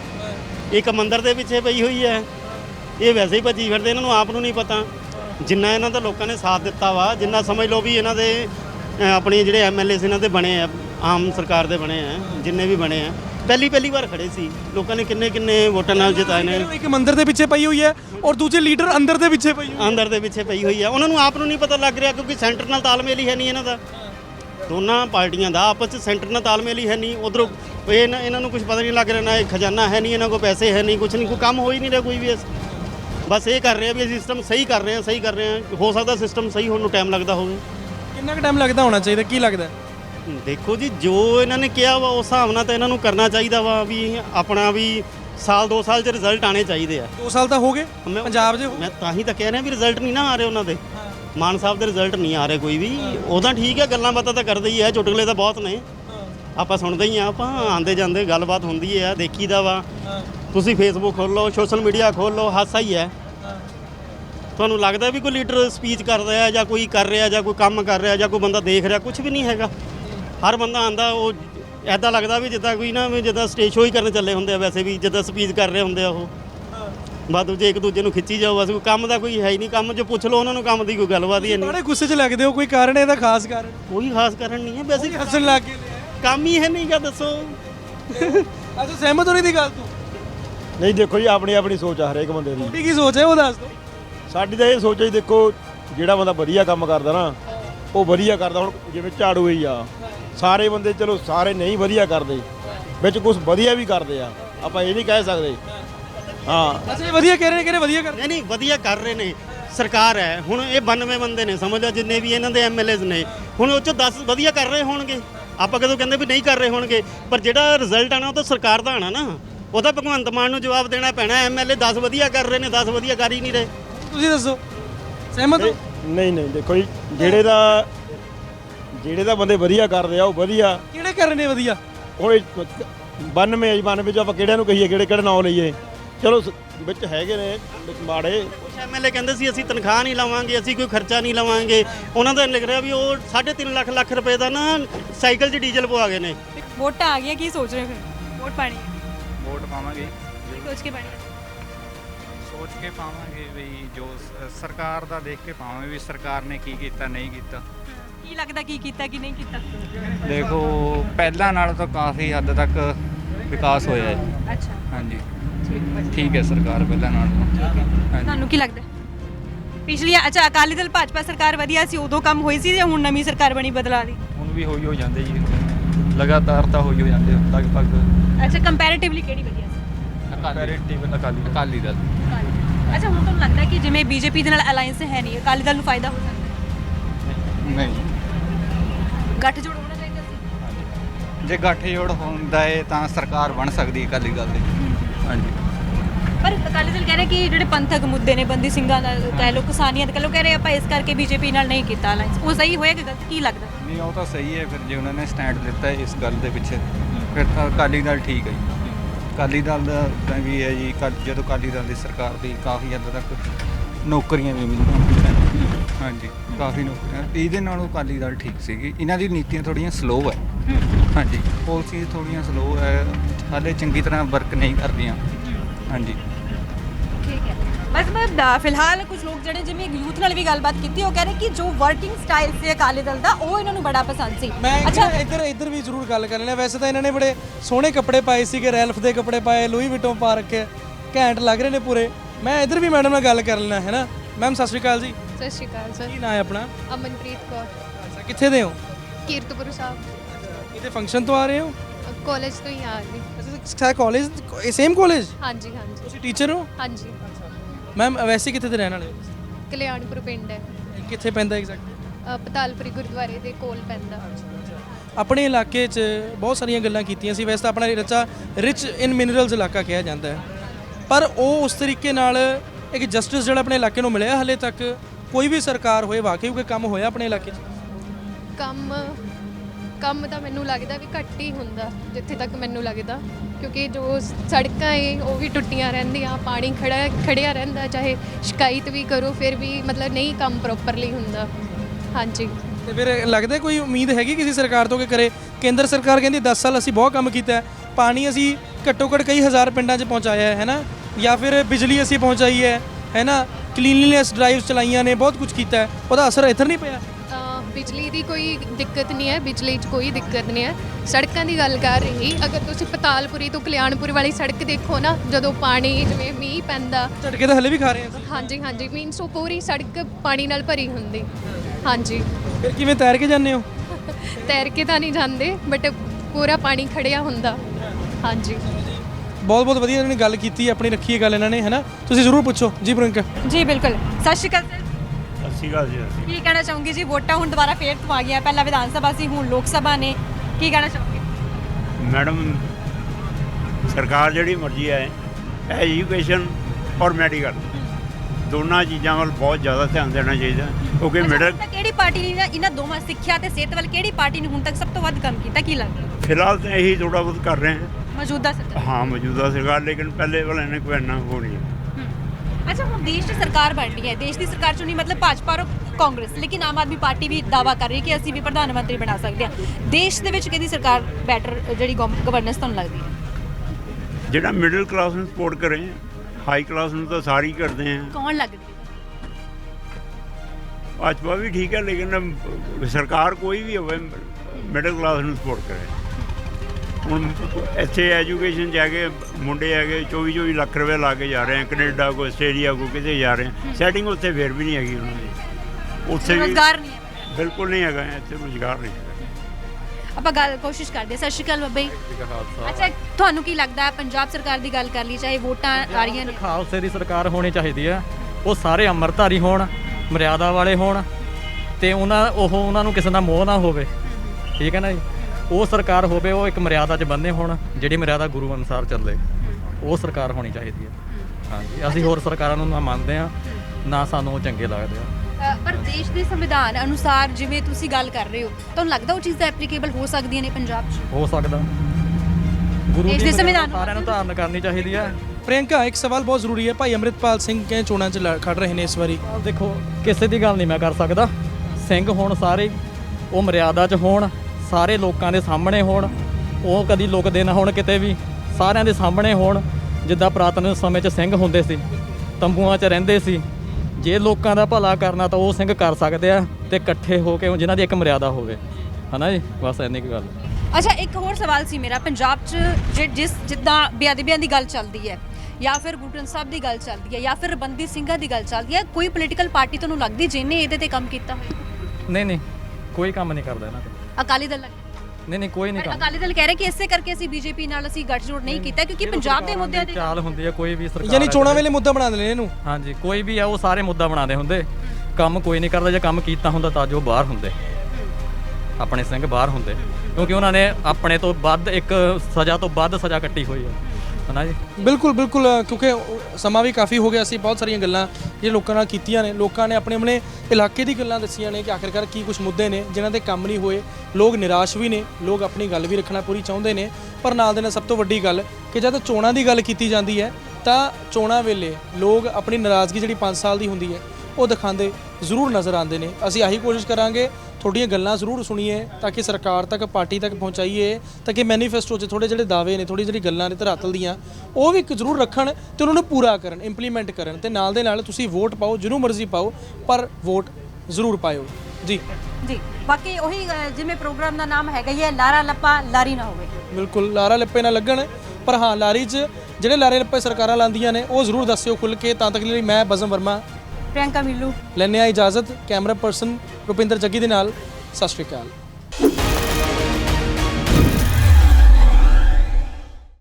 B: ਇੱਕ ਮੰਦਰ ਦੇ ਪਿੱਛੇ ਪਈ ਹੋਈ ਹੈ, ਇਹ ਵੈਸੇ ਹੀ ਭੱਜੀ ਫਿਰਦੇ, ਇਹਨਾਂ ਨੂੰ ਆਪ ਨੂੰ ਨਹੀਂ ਪਤਾ। ਜਿੰਨਾ ਇਹਨਾਂ ਦਾ ਲੋਕਾਂ ਨੇ ਸਾਥ ਦਿੱਤਾ ਵਾ, ਜਿੰਨਾ ਸਮਝ ਲਓ ਵੀ ਇਹਨਾਂ ਦੇ ਅ, ਆਪਣੇ ਜਿਹੜੇ ਐਮਐਲਏ ਇਹਨਾਂ ਦੇ ਬਣੇ ਆ, ਆਮ ਸਰਕਾਰ ਦੇ ਬਣੇ ਆ, ਜਿੰਨੇ ਵੀ ਬਣੇ ਆ ਪਹਿਲੀ ਪਹਿਲੀ ਵਾਰ ਖੜੇ ਸੀ, ਲੋਕਾਂ ਨੇ ਕਿੰਨੇ ਕਿੰਨੇ ਵੋਟਾਂ ਨਾਲ ਜਿਤਾਏ ਨੇ।
A: ਇੱਕ ਮੰਦਰ ਦੇ ਪਿੱਛੇ ਪਈ ਹੋਈ ਹੈ ਔਰ ਦੂਜੇ ਲੀਡਰ ਅੰਦਰ ਦੇ ਪਿੱਛੇ ਪਈ ਹੋਈ
B: ਅੰਦਰ ਦੇ ਪਿੱਛੇ ਪਈ ਹੋਈ ਆ, ਉਹਨਾਂ ਨੂੰ ਆਪ ਨੂੰ ਨਹੀਂ ਪਤਾ ਲੱਗ ਰਿਹਾ ਕਿਉਂਕਿ ਸੈਂਟਰ ਨਾਲ ਤਾਲਮੇਲ ਹੀ ਹੈ ਨਹੀਂ ਇਹਨਾਂ ਦਾ, ਦੋਨਾਂ ਪਾਰਟੀਆਂ ਦਾ ਆਪਸ ਵਿੱਚ ਸੈਂਟਰ ਨਾਲ ਤਾਲਮੇਲ ਹੀ ਹੈ ਨਹੀਂ। ਉਧਰੋਂ ਇਹ ਇਹਨਾਂ ਨੂੰ ਕੁਝ ਪਤਾ ਨਹੀਂ ਲੱਗ ਰਿਹਾ, ਨਾ ਇਹ ਖਜ਼ਾਨਾ ਹੈ ਨਹੀਂ, ਇਹਨਾਂ ਕੋਲ ਪੈਸੇ ਹੈ ਨਹੀਂ, ਕੁਝ ਨਹੀਂ, ਕੋਈ ਕੰਮ ਹੋ ਹੀ ਨਹੀਂ ਰਿਹਾ ਕੋਈ ਵੀ। ਬਸ ਇਹ ਕਰ ਰਹੇ ਆ ਵੀ ਅਸੀਂ ਸਿਸਟਮ ਸਹੀ ਕਰ ਰਹੇ ਹਾਂ, ਸਹੀ ਕਰ ਰਹੇ ਹਾਂ। ਹੋ ਸਕਦਾ ਸਿਸਟਮ ਸਹੀ ਹੋਣ ਨੂੰ ਟਾਈਮ ਲੱਗਦਾ ਹੋਵੇ।
A: ਕਿੰਨਾ ਕੁ ਟਾਈਮ ਲੱਗਦਾ ਹੋਣਾ ਚਾਹੀਦਾ, ਕੀ ਲੱਗਦਾ?
B: ਦੇਖੋ ਜੀ, ਜੋ ਇਹਨਾਂ ਨੇ ਕਿਹਾ ਵਾ ਉਸ ਹਿਸਾਬ ਨਾਲ ਤਾਂ ਇਹਨਾਂ ਨੂੰ ਕਰਨਾ ਚਾਹੀਦਾ ਵਾ ਵੀ ਆਪਣਾ ਵੀ ਸਾਲ ਦੋ ਸਾਲ 'ਚ ਰਿਜ਼ਲਟ ਆਣੇ ਚਾਹੀਦੇ ਆ।
A: ਦੋ ਸਾਲ ਤਾਂ ਹੋ ਗਏ
B: ਮੈਂ-
A: ਪੰਜਾਬ 'ਚ।
B: ਮੈਂ ਤਾਂ ਹੀ ਤਾਂ ਕਹਿ ਰਿਹਾ ਵੀ ਰਿਜ਼ਲਟ ਨਹੀਂ ਨਾ ਆ ਰਹੇ ਉਹਨਾਂ ਦੇ, ਮਾਨ ਸਾਹਿਬ ਦੇ ਰਿਜ਼ਲਟ ਨਹੀਂ ਆ ਰਹੇ ਕੋਈ ਵੀ। ਉਹਦਾ ਠੀਕ ਹੈ, ਗੱਲਾਂ ਬਾਤਾਂ ਤਾਂ ਕਰਦੇ ਹੀ ਆ, ਚੁਟਕਲੇ ਤਾਂ ਬਹੁਤ ਨੇ, ਆਪਾਂ ਸੁਣਦੇ ਹੀ ਆ, ਆਪਾਂ ਆਉਂਦੇ ਜਾਂਦੇ ਗੱਲਬਾਤ ਹੁੰਦੀ ਹੈ, ਦੇਖੀਦਾ ਵਾ। ਤੁਸੀਂ ਫੇਸਬੁੱਕ ਖੋਲ੍ਹ ਸੋਸ਼ਲ ਮੀਡੀਆ ਖੋਲ੍ਹ ਲਓ, ਹਾਸਾ ਹੀ ਹੈ। ਤੁਹਾਨੂੰ ਲੱਗਦਾ ਵੀ ਕੋਈ ਲੀਡਰ ਸਪੀਚ ਕਰ ਰਿਹਾ ਜਾਂ ਕੋਈ ਕਰ ਰਿਹਾ ਜਾਂ ਕੋਈ ਕੰਮ ਕਰ ਰਿਹਾ ਜਾਂ ਕੋਈ ਬੰਦਾ ਦੇਖ ਰਿਹਾ, ਕੁਝ ਵੀ ਨਹੀਂ ਹੈਗਾ। ਹਰ ਬੰਦਾ ਆਂਦਾ, ਉਹ ਐਦਾਂ ਲੱਗਦਾ ਵੀ ਜਿੱਦਾਂ ਕੋਈ ਨਾ ਵੀ ਜਿੱਦਾਂ ਸਟੇਜ ਸ਼ੋਅ ਹੀ ਕਰਨ ਚੱਲੇ ਹੁੰਦੇ ਆ, ਵੈਸੇ ਵੀ ਜਿੱਦਾਂ ਸਪੀਚ ਕਰ ਰਹੇ ਹੁੰਦੇ ਆ ਉਹ। ਬਸ ਦੂਜੇ ਇੱਕ ਦੂਜੇ ਨੂੰ ਖਿੱਚੀ ਜਾਓ, ਬਸ ਕੋਈ ਕੰਮ ਦਾ ਕੋਈ ਹੈ ਹੀ ਨਹੀਂ। ਕੰਮ 'ਚ ਪੁੱਛ ਲਓ ਉਹਨਾਂ ਨੂੰ, ਕੰਮ ਦੀ ਕੋਈ ਗੱਲਬਾਤ ਹੀ ਨਹੀਂ।
A: ਬੜੇ ਗੁੱਸੇ 'ਚ ਲੱਗਦੇ ਹੋ, ਕੋਈ ਕਾਰਨ ਇਹਦਾ ਖਾਸ ਕਾਰਨ?
B: ਕੋਈ ਖਾਸ ਕਾਰਨ ਨਹੀਂ ਹੈ, ਵੈਸੇ
A: ਹੱਸਣ ਲੱਗ ਗਏ।
B: ਕੰਮ ਹੀ ਹੈ ਨਹੀਂ ਗਾ, ਦੱਸੋ।
A: ਅੱਛਾ, ਸਹਿਮਤ ਹੋ ਨਹੀਂ ਦੀ ਗੱਲ ਤੂੰ?
J: ਨਹੀਂ, ਦੇਖੋ ਜੀ ਆਪਣੀ ਆਪਣੀ ਸੋਚ ਆ ਹਰੇਕ ਬੰਦੇ ਦੀ।
A: ਤੁਹਾਡੀ ਕੀ ਸੋਚ ਹੈ ਉਹ ਦੱਸ ਦਿਓ।
J: ਸਾਡੀ ਤਾਂ ਇਹ ਸੋਚ ਹੈ ਜੀ, ਦੇਖੋ ਜਿਹੜਾ ਬੰਦਾ ਵਧੀਆ ਕੰਮ ਕਰਦਾ ਨਾ ਉਹ ਵਧੀਆ ਕਰਦਾ। ਹੁਣ ਜਿਵੇਂ ਝਾੜੂ ਹੀ ਆ, ਸਾਰੇ ਬੰਦੇ ਚਲੋ ਸਾਰੇ ਨਹੀਂ ਵਧੀਆ ਕਰਦੇ, ਵਿੱਚ ਕੁਝ ਵਧੀਆ ਵੀ ਕਰਦੇ ਆ, ਆਪਾਂ ਇਹ ਨਹੀਂ ਕਹਿ ਸਕਦੇ। ਹਾਂ
A: ਅੱਛਾ, ਇਹ ਵਧੀਆ ਕਹਿ ਰਹੇ ਨੇ, ਕਿਹੜੇ ਵਧੀਆ ਕਰ
B: ਨਹੀਂ ਨਹੀਂ ਵਧੀਆ ਕਰ ਰਹੇ ਨੇ, ਸਰਕਾਰ ਹੈ। ਹੁਣ ਇਹ ਬਾਨਵੇਂ ਬੰਦੇ ਨੇ, ਸਮਝ ਲਓ ਜਿੰਨੇ ਵੀ ਇਹਨਾਂ ਦੇ ਐਮਐਲਏਜ਼ ਨੇ, ਹੁਣ ਉਹ 'ਚੋਂ ਦਸ ਵਧੀਆ ਕਰ ਰਹੇ ਹੋਣਗੇ। ਆਪਾਂ ਕਦੋਂ ਕਹਿੰਦੇ ਵੀ ਨਹੀਂ ਕਰ ਰਹੇ ਹੋਣਗੇ, ਪਰ ਜਿਹੜਾ ਰਿਜ਼ਲਟ ਆਣਾ ਉਹ ਤਾਂ ਸਰਕਾਰ ਦਾ ਆਣਾ ਨਾ, ਉਹਦਾ ਭਗਵੰਤ ਮਾਨ ਨੂੰ ਜਵਾਬ ਦੇਣਾ ਪੈਣਾ। ਐਮਐਲਏ ਦਸ ਵਧੀਆ ਕਰ ਰਹੇ ਨੇ, ਦਸ ਵਧੀਆ ਕਰ ਹੀ ਨਹੀਂ ਰਹੇ।
A: ਤੁਸੀਂ ਦੱਸੋ, ਸਹਿਮਤ ਹੋ?
J: ਨਹੀਂ ਨਹੀਂ, ਦੇਖੋ ਜੀ ਜਿਹੜੇ ਦਾ ਜਿਹੜੇ ਦਾ ਬੰਦੇ ਵਧੀਆ ਕਰਦੇ ਆ ਉਹ ਵਧੀਆ।
A: ਕਿਹੜੇ ਕਰ ਰਹੇ ਨੇ ਵਧੀਆ?
J: ਹੁਣ ਬਾਨਵੇਂ ਜੀ, ਬਾਨਵੇਂ 'ਚ ਆਪਾਂ ਕਿਹੜਿਆਂ ਨੂੰ ਕਹੀਏ, ਕਿਹੜੇ ਕਿਹੜੇ ਨਾਂ ਲਈਏ? ਚਲੋ ਸ- ਵਿੱਚ ਹੈਗੇ ਨੇ ਵਿੱਚ ਮਾੜੇ।
B: ਕੁਛ ਐਮਐਲਏ ਕਹਿੰਦੇ ਸੀ ਅਸੀਂ ਤਨਖਾਹ ਨਹੀਂ ਲਵਾਂਗੇ, ਅਸੀਂ ਕੋਈ ਖਰਚਾ ਨਹੀਂ ਲਵਾਂਗੇ। ਉਹਨਾਂ ਦਾ ਲਿਖ ਰਿਹਾ ਵੀ ਉਹ ਸਾਢੇ ਤਿੰਨ ਲੱਖ ਲੱਖ ਰੁਪਏ ਦਾ ਨਾ ਸਾਈਕਲ 'ਚ ਡੀਜ਼ਲ ਪਵਾ ਗਏ ਨੇ।
F: ਵੋਟਾਂ ਆ ਗਈਆਂ, ਕੀ ਸੋਚ ਰਹੇ ਫਿਰ? ਵੋਟ ਪਾਣੀ ਹੈ?
G: ਵੋਟ ਪਾਵਾਂਗੇ,
F: ਕੀ ਸੋਚ ਕੇ ਪਾਣੀ ਹੈ?
G: ਸੋਚ ਕੇ ਪਾਵਾਂਗੇ ਵੀ ਜੋ ਸ- ਸਰਕਾਰ ਦਾ ਦੇਖ ਕੇ ਪਾਵਾਂਗੇ ਵੀ ਸਰਕਾਰ ਨੇ ਕੀ ਕੀਤਾ ਨਹੀਂ ਕੀਤਾ।
F: ਕੀ ਲੱਗਦਾ ਕੀ ਕੀਤਾ ਕੀ ਨਹੀਂ ਕੀਤਾ?
G: ਦੇਖੋ ਪਹਿਲਾਂ ਨਾਲੋਂ ਤਾਂ ਕਾਫੀ ਹੱਦ ਤੱਕ ਵਿਕਾਸ ਹੋਇਆ ਹੈ।
F: ਅੱਛਾ,
G: ਹਾਂਜੀ ਠੀਕ ਹੈ ਸਰਕਾਰ ਪਹਿਲਾਂ ਨਾਲੋਂ। ਹਾਂਜੀ
F: ਤੁਹਾਨੂੰ ਕੀ ਲੱਗਦਾ? ਪਿਛਲੀ ਅੱਛਾ ਅਕਾਲੀ ਦਲ ਭਾਜਪਾ ਸਰਕਾਰ ਵਧੀਆ ਸੀ, ਉਦੋਂ ਕੰਮ ਹੋਈ ਸੀ, ਜਾਂ ਹੁਣ ਨਵੀਂ ਸਰਕਾਰ ਬਣੀ ਬਦਲਾ ਦੀ?
G: ਹੁਣ ਵੀ ਹੋਈ ਹੋ ਜਾਂਦੇ ਜੀ, ਲਗਾਤਾਰ ਤਾਂ ਹੋਈ ਹੋ ਜਾਂਦੇ ਲਗਭਗ।
F: ਅੱਛਾ, ਕੰਪੈਰੀਟਿਵਲੀ ਕਿਹੜੀ ਵਧੀਆ ਸੀ?
G: ਕੰਪੈਰੀਟਿਵ ਅਕਾਲੀ ਅਕਾਲੀ ਦਲ।
F: ਅੱਛਾ, ਹੁਣ ਤੁਹਾਨੂੰ ਲੱਗਦਾ ਕਿ ਜਿਵੇਂ ਬੀਜੇਪੀ ਦੇ ਨਾਲ ਅਲਾਈਅੰਸ ਹੈ ਨਹੀਂ, ਅਕਾਲੀ ਦਲ ਨੂੰ ਫਾਇਦਾ ਹੋ ਸਕਦਾ?
G: ਨਹੀਂ,
F: ਗੱਠਜੋੜ ਹੋਣਾ ਚਾਹੀਦਾ ਸੀ।
G: ਜੇ ਗੱਠਜੋੜ ਹੁੰਦਾ ਹੈ ਤਾਂ ਸਰਕਾਰ ਬਣ ਸਕਦੀ ਹੈ ਅਕਾਲੀ ਦਲ ਦੀ। ਹਾਂਜੀ
F: ਪਰ ਅਕਾਲੀ ਦਲ ਕਹਿ ਰਹੇ ਕਿ ਜਿਹੜੇ ਪੰਥਕ ਮੁੱਦੇ ਨੇ, ਬੰਦੀ ਸਿੰਘਾਂ ਦਾ ਕਹਿ ਲਓ, ਕਿਸਾਨੀਆਂ ਦਾ ਕਹਿ ਲਓ, ਕਹਿ ਰਹੇ ਆਪਾਂ ਇਸ ਕਰਕੇ ਬੀਜੇਪੀ ਨਾਲ ਨਹੀਂ ਕੀਤਾ ਅਲਾਈਅੰਸ। ਉਹ ਸਹੀ ਹੋਇਆ ਕਿ ਗਲਤ, ਕੀ ਲੱਗਦਾ?
G: ਨਹੀਂ, ਉਹ ਤਾਂ ਸਹੀ ਹੈ। ਫਿਰ ਜੇ ਉਹਨਾਂ ਨੇ ਸਟੈਂਡ ਦਿੱਤਾ ਹੈ ਇਸ ਗੱਲ ਦੇ ਪਿੱਛੇ, ਫਿਰ ਤਾਂ ਅਕਾਲੀ ਦਲ ਠੀਕ ਹੈ ਜੀ। ਅਕਾਲੀ ਦਲ ਦਾ ਤਾਂ ਵੀ ਹੈ ਜੀ, ਕੱਲ੍ਹ ਜਦੋਂ ਅਕਾਲੀ ਦਲ ਦੀ ਸਰਕਾਰ ਦੀ ਕਾਫੀ ਹੱਦ ਤੱਕ ਨੌਕਰੀਆਂ ਵੀ ਮਿਲੀਆਂ। ਹਾਂਜੀ ਕਾਫੀ ਨੌਕਰੀਆਂ, ਇਹਦੇ ਨਾਲੋਂ ਅਕਾਲੀ ਦਲ ਠੀਕ ਸੀਗੀ। ਇਹਨਾਂ ਦੀ ਨੀਤੀਆਂ ਥੋੜ੍ਹੀਆਂ ਸਲੋ ਹੈ। ਹਾਂਜੀ ਪਾਲਿਸੀਜ਼ ਥੋੜ੍ਹੀਆਂ ਸਲੋ ਹੈ, ਹਾਲੇ ਚੰਗੀ ਤਰ੍ਹਾਂ ਵਰਕ ਨਹੀਂ ਕਰਦੀਆਂ। ਹਾਂਜੀ
F: ਠੀਕ ਹੈ। ਬਸ ਮੈਂ ਅ, ਫਿਲਹਾਲ ਕੁਝ ਲੋਕ ਜਿਹੜੇ ਜਿਵੇਂ ਯੂਥ ਨਾਲ ਵੀ ਗੱਲਬਾਤ ਕੀਤੀ, ਉਹ ਕਹਿ ਰਹੇ ਕਿ ਜੋ ਵਰਕਿੰਗ ਸਟਾਈਲ ਸੀ ਅਕਾਲੀ ਦਲ ਦਾ, ਉਹ ਇਹਨਾਂ ਨੂੰ ਬੜਾ ਪਸੰਦ ਸੀ।
A: ਮੈਂ ਅੱਛਾ ਇੱਧਰ ਇੱਧਰ ਵੀ ਜ਼ਰੂਰ ਗੱਲ ਕਰ ਲੈਣਾ। ਵੈਸੇ ਤਾਂ ਇਹਨਾਂ ਨੇ ਬੜੇ ਸੋਹਣੇ ਕੱਪੜੇ ਪਾਏ ਸੀਗੇ, ਰੈਲਫ ਦੇ ਕੱਪੜੇ ਪਾਏ, ਲੂਈ ਵਿਟੋਂ ਪਾ ਰੱਖੇ, ਘੈਂਟ ਲੱਗ ਰਹੇ ਨੇ ਪੂਰੇ। ਮੈਂ ਇੱਧਰ ਵੀ ਮੈਡਮ ਨਾਲ ਗੱਲ ਕਰ ਲੈਣਾ ਹੈ ਨਾ। ਮੈਮ ਸਤਿ ਸ਼੍ਰੀ ਅਕਾਲ ਜੀ।
H: ਸਤਿ ਸ਼੍ਰੀ ਅਕਾਲ ਸਰ।
A: ਕੀ ਨਾਂ ਹੈ ਆਪਣਾ?
H: ਅਮਨਪ੍ਰੀਤ ਕੌਰ,
A: ਅੱਛਾ, ਕਿੱਥੇ ਦੇ ਹੋ?
H: ਕੀਰਤਪੁਰ ਸਾਹਿਬ
A: ਕਿਤੇ ਫੰਕਸ਼ਨ ਤੋਂ ਆ ਰਹੇ ਹੋ?
H: ਕਾਲਜ ਤੋਂ ਹੀ ਆ ਗਈ।
A: ਅੱਛਾ, ਕਾਲਜ, ਸੇਮ ਕਾਲਜ?
H: ਹਾਂਜੀ ਹਾਂਜੀ
A: ਤੁਸੀਂ ਟੀਚਰ ਹੋ?
H: ਹਾਂਜੀ।
A: ਮੈਮ ਵੈਸੇ ਕਿੱਥੇ ਦੇ ਰਹਿਣ ਵਾਲੇ ਹੋ?
H: ਕਲਿਆਣਪੁਰ ਪਿੰਡ ਹੈ,
A: ਕਿੱਥੇ ਪੈਂਦਾ ਐਗਜ਼ੈਕਟ?
H: ਅ, ਪਤਾਲਪੁਰੀ ਗੁਰਦੁਆਰੇ ਦੇ ਕੋਲ ਪੈਂਦਾ।
A: ਆਪਣੇ ਇਲਾਕੇ 'ਚ ਬਹੁਤ ਸਾਰੀਆਂ ਗੱਲਾਂ ਕੀਤੀਆਂ ਸੀ। ਵੈਸੇ ਤਾਂ ਆਪਣਾ ਰਚਾ ਰਿਚ ਇਨ ਮਿਨਰਲਸ ਇਲਾਕਾ ਕਿਹਾ ਜਾਂਦਾ ਹੈ, ਪਰ ਉਹ ਉਸ ਤਰੀਕੇ ਨਾਲ ਇੱਕ ਜਸਟਿਸ ਜਿਹੜਾ ਆਪਣੇ ਇਲਾਕੇ ਨੂੰ ਮਿਲਿਆ, ਹਲੇ ਤੱਕ ਕੋਈ ਵੀ ਸਰਕਾਰ ਹੋਏ ਵਾਕਈ ਕੋਈ ਕੰਮ ਹੋਇਆ ਆਪਣੇ ਇਲਾਕੇ 'ਚ?
H: ਕੰਮ ਕੰਮ ਤਾਂ ਮੈਨੂੰ ਲੱਗਦਾ ਵੀ ਘੱਟ ਹੀ ਹੁੰਦਾ ਜਿੱਥੇ ਤੱਕ ਮੈਨੂੰ ਲੱਗਦਾ, ਕਿਉਂਕਿ ਜੋ ਸੜਕਾਂ ਏ ਉਹ ਵੀ ਟੁੱਟੀਆਂ ਰਹਿੰਦੀਆਂ, ਪਾਣੀ ਖੜਾ ਖੜਿਆ ਰਹਿੰਦਾ, ਚਾਹੇ ਸ਼ਿਕਾਇਤ ਵੀ ਕਰੋ ਫਿਰ ਵੀ ਮਤਲਬ ਨਹੀਂ ਕੰਮ ਪ੍ਰੋਪਰਲੀ ਹੁੰਦਾ। ਹਾਂਜੀ।
A: ਤੇ ਫਿਰ ਲੱਗਦਾ ਕੋਈ ਉਮੀਦ ਹੈਗੀ ਕਿਸੇ ਸਰਕਾਰ ਤੋਂ ਕਿ ਕਰੇ? ਕੇਂਦਰ ਸਰਕਾਰ ਕਹਿੰਦੀ ਦਸ ਸਾਲ ਅਸੀਂ ਬਹੁਤ ਕੰਮ ਕੀਤਾ ਹੈ, ਪਾਣੀ ਅਸੀਂ ਘੱਟੋ ਘੱਟ ਕਈ ਹਜ਼ਾਰ ਪਿੰਡਾਂ 'ਚ ਪਹੁੰਚਾਇਆ ਹੈ ਨਾ, ਜਾਂ ਫਿਰ ਬਿਜਲੀ ਅਸੀਂ ਪਹੁੰਚਾਈ ਹੈ ਹੈ ਨਾ, ਕਲੀਨਲੀਨੈਸ ਡਰਾਈਵਸ ਚਲਾਈਆਂ ਨੇ, ਬਹੁਤ ਕੁਝ ਕੀਤਾ ਹੈ, ਉਹਦਾ ਅਸਰ ਇੱਧਰ ਨਹੀਂ ਪਿਆ?
H: ਤਾਂ ਬਿਜਲੀ ਦੀ ਕੋਈ ਦਿੱਕਤ ਨਹੀਂ ਹੈ, ਬਿਜਲੀ 'ਚ ਕੋਈ ਦਿੱਕਤ ਨਹੀਂ ਹੈ। ਸੜਕਾਂ ਦੀ ਗੱਲ ਕਰ ਰਹੀ, ਅਗਰ ਤੁਸੀਂ ਪਤਾਲਪੁਰੀ ਤੋਂ ਕਲਿਆਣਪੁਰ ਵਾਲੀ ਸੜਕ ਦੇਖੋ ਨਾ, ਜਦੋਂ ਪਾਣੀ ਜਿਵੇਂ ਮੀਂਹ ਪੈਂਦਾ,
A: ਝਟਕੇ ਤਾਂ ਹਲੇ ਵੀ ਖਾ ਰਹੇ ਹਾਂ।
H: ਹਾਂਜੀ ਹਾਂਜੀ, ਮੀਨਸ ਉਹ ਪੂਰੀ ਸੜਕ ਪਾਣੀ ਨਾਲ ਭਰੀ ਹੁੰਦੀ। ਹਾਂਜੀ।
A: ਫਿਰ ਕਿਵੇਂ ਤੈਰ ਕੇ ਜਾਂਦੇ ਹੋ?
H: ਤੈਰ ਕੇ ਤਾਂ ਨਹੀਂ ਜਾਂਦੇ, ਬਟ ਪੂਰਾ ਪਾਣੀ ਖੜਿਆ ਹੁੰਦਾ। ਹਾਂਜੀ।
A: ਬਹੁਤ ਬਹੁਤ ਵਧੀਆ ਇਹਨਾਂ ਨੇ ਗੱਲ ਕੀਤੀ, ਆਪਣੀ ਰੱਖੀ ਹੈ ਗੱਲ ਇਹਨਾਂ ਨੇ, ਹੈ ਨਾ। ਤੁਸੀਂ ਜ਼ਰੂਰ ਪੁੱਛੋ ਜੀ ਪ੍ਰਿੰਕਾ।
F: ਜੀ ਬਿਲਕੁਲ। ਸਤਿ ਸ਼੍ਰੀ ਅਕਾਲ ਸਰ।
J: ਸਤਿ ਸ਼੍ਰੀ ਅਕਾਲ ਜੀ।
F: ਕੀ ਕਹਿਣਾ ਚਾਹੂੰਗੀ ਜੀ, ਵੋਟਾਂ ਹੁਣ ਦੁਬਾਰਾ ਫੇਰ ਤੋਂ ਆ ਗਈਆਂ, ਪਹਿਲਾਂ ਵਿਧਾਨ ਸਭਾ ਸੀ, ਹੁਣ ਲੋਕ ਸਭਾ ਨੇ, ਕੀ ਕਹਿਣਾ ਚਾਹੋਗੇ?
K: ਮੈਡਮ ਸਰਕਾਰ ਜਿਹੜੀ ਮਰਜ਼ੀ ਹੈ, ਐਜੂਕੇਸ਼ਨ ਔਰ ਮੈਡੀਕਲ ਦੋਨਾਂ ਚੀਜ਼ਾਂ ਵੱਲ ਬਹੁਤ ਜ਼ਿਆਦਾ ਧਿਆਨ ਦੇਣਾ ਚਾਹੀਦਾ, ਕਿਉਂਕਿ ਮਿਡਲ
F: ਕਿਹੜੀ ਪਾਰਟੀ ਨੇ ਇਹਨਾਂ ਦੋਵਾਂ ਸਿੱਖਿਆ ਤੇ ਸਿਹਤ ਵੱਲ ਕਿਹੜੀ ਪਾਰਟੀ ਨੇ ਹੁਣ ਤੱਕ ਸਭ ਤੋਂ ਵੱਧ ਕੰਮ ਕੀਤਾ, ਕੀ ਲੱਗਦਾ?
K: ਫਿਲਹਾਲ ਤਾਂ ਇਹੀ ਥੋੜਾ ਬਹੁਤ ਕਰ ਰਹੇ ਹਨ
F: ਮੌਜੂਦਾ ਸਰਕਾਰ।
K: ਹਾਂ ਮੌਜੂਦਾ ਸਰਕਾਰ, ਲੇਕਿਨ ਪਹਿਲੇ ਵਾਲੇ ਨੇ ਕੋਈ ਇੰਨਾ ਹੋ ਨਹੀਂ।
F: ਅੱਛਾ, ਹੁਣ ਦੇਸ਼ 'ਚ ਸਰਕਾਰ ਬਣ ਰਹੀ ਹੈ, ਦੇਸ਼ ਦੀ ਸਰਕਾਰ 'ਚੋਂ ਨਹੀਂ ਮਤਲਬ ਭਾਜਪਾ ਔਰ ਕਾਂਗਰਸ, ਲੇਕਿਨ ਆਮ ਆਦਮੀ ਪਾਰਟੀ ਵੀ ਦਾਅਵਾ ਕਰ ਰਹੀ ਹੈ ਕਿ ਅਸੀਂ ਵੀ ਪ੍ਰਧਾਨ ਮੰਤਰੀ ਬਣਾ ਸਕਦੇ ਹਾਂ। ਦੇਸ਼ ਦੇ ਵਿੱਚ ਕਿਹਦੀ ਸਰਕਾਰ ਬੈਟਰ ਜਿਹੜੀ ਗਵਰਨੈਂਸ ਤੁਹਾਨੂੰ ਲੱਗਦੀ ਹੈ?
K: ਜਿਹੜਾ ਮਿਡਲ ਕਲਾਸ ਨੂੰ ਸਪੋਰਟ ਕਰੇ, ਹਾਈ ਕਲਾਸ ਨੂੰ ਤਾਂ ਸਾਰੀ ਕਰਦੇ ਆ।
F: ਕੌਣ ਲੱਗਦੀ ਹੈ?
K: ਭਾਜਪਾ ਵੀ ਠੀਕ ਹੈ, ਲੇਕਿਨ ਸਰਕਾਰ ਕੋਈ ਵੀ ਹੋਵੇ ਮਿਡਲ ਕਲਾਸ ਨੂੰ ਸਪੋਰਟ ਕਰੇ। ਹੁਣ ਇੱਥੇ ਐਜੂਕੇਸ਼ਨ 'ਚ ਹੈਗੇ ਮੁੰਡੇ ਹੈਗੇ ਚੌਵੀ ਚੌਵੀ ਲੱਖ ਰੁਪਏ ਲਾ ਕੇ ਜਾ ਰਹੇ ਆ, ਕੈਨੇਡਾ ਕੋ ਆਸਟ੍ਰੇਲੀਆ ਕੋ ਕਿਤੇ ਜਾ ਰਹੇ ਆ, ਸੈਟਿੰਗ ਉੱਥੇ ਫਿਰ ਵੀ ਨਹੀਂ ਹੈਗੀ ਉਹਨਾਂ ਦੀ। ਉੱਥੇ ਵੀ
F: ਰੁਜ਼ਗਾਰ ਨਹੀਂ ਹੈ,
K: ਬਿਲਕੁਲ ਨਹੀਂ ਹੈਗਾ, ਇੱਥੇ ਰੁਜ਼ਗਾਰ ਨਹੀਂ ਹੈਗਾ।
F: ਆਪਾਂ ਗੱਲ ਕੋਸ਼ਿਸ਼ ਕਰਦੇ ਹਾਂ। ਸਤਿ ਸ਼੍ਰੀ ਅਕਾਲ ਬਾਬਾ ਜੀ। ਅੱਛਾ, ਤੁਹਾਨੂੰ ਕੀ ਲੱਗਦਾ ਹੈ ਪੰਜਾਬ ਸਰਕਾਰ ਦੀ ਗੱਲ ਕਰ ਲਈ, ਚਾਹੇ ਵੋਟਾਂ ਆ ਰਹੀਆਂ ਨੇ?
I: ਖਾਲਸੇ ਦੀ ਸਰਕਾਰ ਹੋਣੀ ਚਾਹੀਦੀ ਹੈ, ਉਹ ਸਾਰੇ ਅੰਮ੍ਰਿਤਧਾਰੀ ਹੋਣ, ਮਰਿਆਦਾ ਵਾਲੇ ਹੋਣ, ਤੇ ਉਹਨਾਂ ਉਹ ਉਹਨਾਂ ਨੂੰ ਕਿਸੇ ਦਾ ਮੋਹ ਨਾ ਹੋਵੇ, ਠੀਕ ਹੈ ਨਾ ਜੀ। ਉਹ ਸਰਕਾਰ ਹੋਵੇ, ਉਹ ਇੱਕ ਮਰਿਆਦਾ 'ਚ ਬੰਨੇ ਹੋਣ, ਜਿਹੜੀ ਮਰਿਆਦਾ ਗੁਰੂ ਅਨੁਸਾਰ ਚੱਲੇ, ਉਹ ਸਰਕਾਰ ਹੋਣੀ ਚਾਹੀਦੀ ਹੈ। ਹਾਂਜੀ, ਅਸੀਂ ਹੋਰ ਸਰਕਾਰਾਂ ਨੂੰ ਨਾ ਮੰਨਦੇ ਹਾਂ, ਨਾ ਸਾਨੂੰ ਉਹ ਚੰਗੇ ਲੱਗਦੇ ਆ।
F: ਪਰ ਦੇਸ਼ ਦੇ ਸੰਵਿਧਾਨ ਅਨੁਸਾਰ ਜਿਵੇਂ ਤੁਸੀਂ ਗੱਲ ਕਰ ਰਹੇ ਹੋ, ਤੁਹਾਨੂੰ ਲੱਗਦਾ ਉਹ ਚੀਜ਼ਾਂ ਐਪਲੀਕੇਬਲ ਹੋ ਸਕਦੀਆਂ ਨੇ ਪੰਜਾਬ 'ਚ?
I: ਹੋ ਸਕਦਾ। ਗੁਰੂ
F: ਦੇਸ਼ ਦੇ
I: ਦੀ
F: ਸੰਵਿਧਾਨ
I: ਸਾਰਿਆਂ ਨੂੰ ਧਾਰਨ ਕਰਨੀ ਚਾਹੀਦੀ ਹੈ।
A: ਪ੍ਰਿੰਕਾ, ਇੱਕ ਸਵਾਲ ਬਹੁਤ ਜ਼ਰੂਰੀ ਹੈ, ਭਾਈ ਅੰਮ੍ਰਿਤਪਾਲ ਸਿੰਘ ਕਿਹ ਚੋਣਾਂ 'ਚ ਲੜ- ਖੜ ਰਹੇ ਨੇ ਇਸ ਵਾਰੀ।
I: ਦੇਖੋ, ਕਿਸੇ ਦੀ ਗੱਲ ਨਹੀਂ ਮੈਂ ਕਰ ਸਕਦਾ, ਸਿੰਘ ਹੋਣ ਸਾਰੇ, ਉਹ ਮਰਿਆਦਾ 'ਚ ਹੋਣ, ਸਾਰੇ ਲੋਕਾਂ ਦੇ ਸਾਹਮਣੇ ਹੋਣ, ਉਹ ਕਦੀ ਲੁਕਦੇ ਨਾ ਹੋਣ ਕਿਤੇ ਵੀ, ਸਾਰਿਆਂ ਦੇ ਸਾਹਮਣੇ ਹੋਣ। ਜਿੱਦਾਂ ਪੁਰਾਤਨ ਸਮੇਂ 'ਚ ਸਿੰਘ ਹੁੰਦੇ ਸੀ, ਤੰਬੂਆਂ 'ਚ ਰਹਿੰਦੇ ਸੀ, ਜੇ ਲੋਕਾਂ ਦਾ ਭਲਾ ਕਰਨਾ ਤਾਂ ਉਹ ਸਿੰਘ ਕਰ ਸਕਦੇ ਆ, ਤੇ ਇਕੱਠੇ ਹੋ ਕੇ ਜਿਨ੍ਹਾਂ ਦੀ ਇੱਕ ਮਰਿਆਦਾ ਹੋਵੇ, ਹੈ ਨਾ ਜੀ। ਬਸ ਇੰਨੀ ਕੁ ਗੱਲ।
F: ਅੱਛਾ, ਇੱਕ ਹੋਰ ਸਵਾਲ ਸੀ ਮੇਰਾ, ਪੰਜਾਬ 'ਚ ਜਿ- ਜਿਸ ਜਿੱਦਾਂ ਬੇਅਦਬੀਆਂ ਦੀ ਗੱਲ ਚੱਲਦੀ ਹੈ, ਜਾਂ ਫਿਰ ਗੁਰੂ ਗ੍ਰੰਥ ਸਾਹਿਬ ਦੀ ਗੱਲ ਚੱਲਦੀ ਹੈ, ਜਾਂ ਫਿਰ ਬੰਦੀ ਸਿੰਘਾਂ ਦੀ ਗੱਲ ਚੱਲਦੀ ਹੈ, ਕੋਈ ਪੋਲੀਟੀਕਲ ਪਾਰਟੀ ਤੁਹਾਨੂੰ ਲੱਗਦੀ ਜਿਹਨੇ ਇਹਦੇ ਤੇ ਕੰਮ ਕੀਤਾ ਹੋਵੇ?
I: ਨਹੀਂ ਨਹੀਂ, ਕੋਈ ਕੰਮ ਨਹੀਂ ਕਰਦਾ ਇਹਨਾਂ ਤੇ।
F: ਅਕਾਲੀ ਦਲ?
I: ਨਹੀਂ ਨਹੀਂ, ਕੋਈ ਨਹੀਂ ਕੰਮ।
F: ਅਕਾਲੀ ਦਲ ਕਹਿ ਰਹੇ ਕਿ ਇਸੇ ਕਰਕੇ ਅਸੀਂ ਬੀਜੇਪੀ ਨਾਲ ਅਸੀਂ ਗੱਠਜੋੜ ਨਹੀਂ ਕੀਤਾ, ਕਿਉਂਕਿ ਪੰਜਾਬ ਦੇ ਮੁੱਦਿਆਂ ਤੇ
I: ਚਾਲ ਹੁੰਦੀ ਹੈ, ਕੋਈ ਵੀ ਸਰਕਾਰ
A: ਯਾਨੀ ਚੋਣਾਂ ਵੇਲੇ ਮੁੱਦਾ ਬਣਾ ਦਿੰਦੇ ਇਹਨੂੰ।
I: ਹਾਂਜੀ, ਕੋਈ ਵੀ ਆ ਉਹ ਸਾਰੇ ਮੁੱਦਾ ਬਣਾਉਂਦੇ ਹੁੰਦੇ, ਕੰਮ ਕੋਈ ਨਹੀਂ ਕਰਦਾ। ਜੇ ਕੰਮ ਕੀਤਾ ਹੁੰਦਾ ਤਾਂ ਜੋ ਬਾਹਰ ਹੁੰਦੇ, ਆਪਣੇ ਸਿੰਘ ਬਾਹਰ ਹੁੰਦੇ, ਕਿਉਂਕਿ ਉਹਨਾਂ ਨੇ ਆਪਣੇ ਤੋਂ ਵੱਧ ਇੱਕ ਸਜ਼ਾ ਤੋਂ ਵੱਧ ਸਜ਼ਾ ਕੱਟੀ ਹੋਈ ਹੈ, ਹੈ ਨਾ ਜੀ।
A: ਬਿਲਕੁਲ ਬਿਲਕੁਲ, ਕਿਉਂਕਿ ਸਮਾਂ ਵੀ ਕਾਫੀ ਹੋ ਗਿਆ ਸੀ, ਬਹੁਤ ਸਾਰੀਆਂ ਗੱਲਾਂ ਜਿਹੜੀਆਂ ਲੋਕਾਂ ਨਾਲ ਕੀਤੀਆਂ ਨੇ, ਲੋਕਾਂ ਨੇ ਆਪਣੇ ਆਪਣੇ ਇਲਾਕੇ ਦੀ ਗੱਲਾਂ ਦੱਸੀਆਂ ਨੇ ਕਿ ਆਖਿਰਕਾਰ ਕੀ ਕੁਝ ਮੁੱਦੇ ਨੇ ਜਿਨ੍ਹਾਂ ਦੇ ਕੰਮ ਨਹੀਂ ਹੋਏ। ਲੋਕ ਨਿਰਾਸ਼ ਵੀ ਨੇ, ਲੋਕ ਆਪਣੀ ਗੱਲ ਵੀ ਰੱਖਣਾ ਪੂਰੀ ਚਾਹੁੰਦੇ ਨੇ, ਪਰ ਨਾਲ ਦੇ ਨਾਲ ਸਭ ਤੋਂ ਵੱਡੀ ਗੱਲ ਕਿ ਜਦ ਚੋਣਾਂ ਦੀ ਗੱਲ ਕੀਤੀ ਜਾਂਦੀ ਹੈ ਤਾਂ ਚੋਣਾਂ ਵੇਲੇ ਲੋਕ ਆਪਣੀ ਨਾਰਾਜ਼ਗੀ ਜਿਹੜੀ ਪੰਜ ਸਾਲ ਦੀ ਹੁੰਦੀ ਹੈ ਉਹ ਦਿਖਾਉਂਦੇ ਜ਼ਰੂਰ ਨਜ਼ਰ ਆਉਂਦੇ ਨੇ। ਅਸੀਂ ਆਹੀ ਕੋਸ਼ਿਸ਼ ਕਰਾਂਗੇ, ਤੁਹਾਡੀਆਂ ਗੱਲਾਂ ਜ਼ਰੂਰ ਸੁਣੀਏ ਤਾਂ ਕਿ ਸਰਕਾਰ ਤੱਕ, ਪਾਰਟੀ ਤੱਕ ਪਹੁੰਚਾਈਏ, ਤਾਂ ਕਿ ਮੈਨੀਫੈਸਟੋ 'ਚ ਥੋੜ੍ਹੇ ਜਿਹੜੇ ਦਾਅਵੇ ਨੇ, ਥੋੜ੍ਹੀ ਜਿਹੜੀ ਗੱਲਾਂ ਨੇ ਧਰਾਤਲ ਦੀਆਂ, ਉਹ ਵੀ ਇੱਕ ਜ਼ਰੂਰ ਰੱਖਣ ਤੇ ਉਹਨਾਂ ਨੂੰ ਪੂਰਾ ਕਰਨ, ਇੰਪਲੀਮੈਂਟ ਕਰਨ। ਤੇ ਨਾਲ ਦੇ ਨਾਲ ਤੁਸੀਂ ਵੋਟ ਪਾਓ, ਜਿਹਨੂੰ ਮਰਜ਼ੀ ਪਾਓ, ਪਰ ਵੋਟ ਜ਼ਰੂਰ ਪਾਇਓ ਜੀ।
F: ਜੀ, ਬਾਕੀ ਉਹੀ ਅ, ਜਿਵੇਂ ਪ੍ਰੋਗਰਾਮ ਦਾ ਨਾਮ ਹੈਗਾ ਹੀ ਹੈ, ਲਾਰਾ ਲੱਪਾ ਲਾਰੀ ਨਾ ਹੋਵੇ।
A: ਬਿਲਕੁਲ, ਲਾਰਾ ਲੱਪੇ ਨਾ ਲੱਗਣ, ਪਰ ਹਾਂ ਲਾਰੀ 'ਚ ਜਿਹੜੇ ਲਾਰੇ ਲੱਪੇ ਸਰਕਾਰਾਂ ਲਾਉਂਦੀਆਂ ਨੇ ਉਹ ਜ਼ਰੂਰ ਦੱਸਿਓ ਖੁੱਲ੍ਹ ਕੇ। ਤਾਂ ਤੱਕ ਲਈ ਮੈਂ ਬਜ਼ਮ ਵਰਮਾ,
F: ਪ੍ਰਿਯੰਕਾ ਮਿੱਲੂ
A: ਲੈਂਦੇ ਆ ਇਜਾਜ਼ਤ। ਕੈਮਰਾ ਪਰਸਨ ਰੁਪਿੰਦਰ ਜੱਗੀ ਦੇ ਨਾਲ, ਸਤਿ ਸ਼੍ਰੀ ਅਕਾਲ।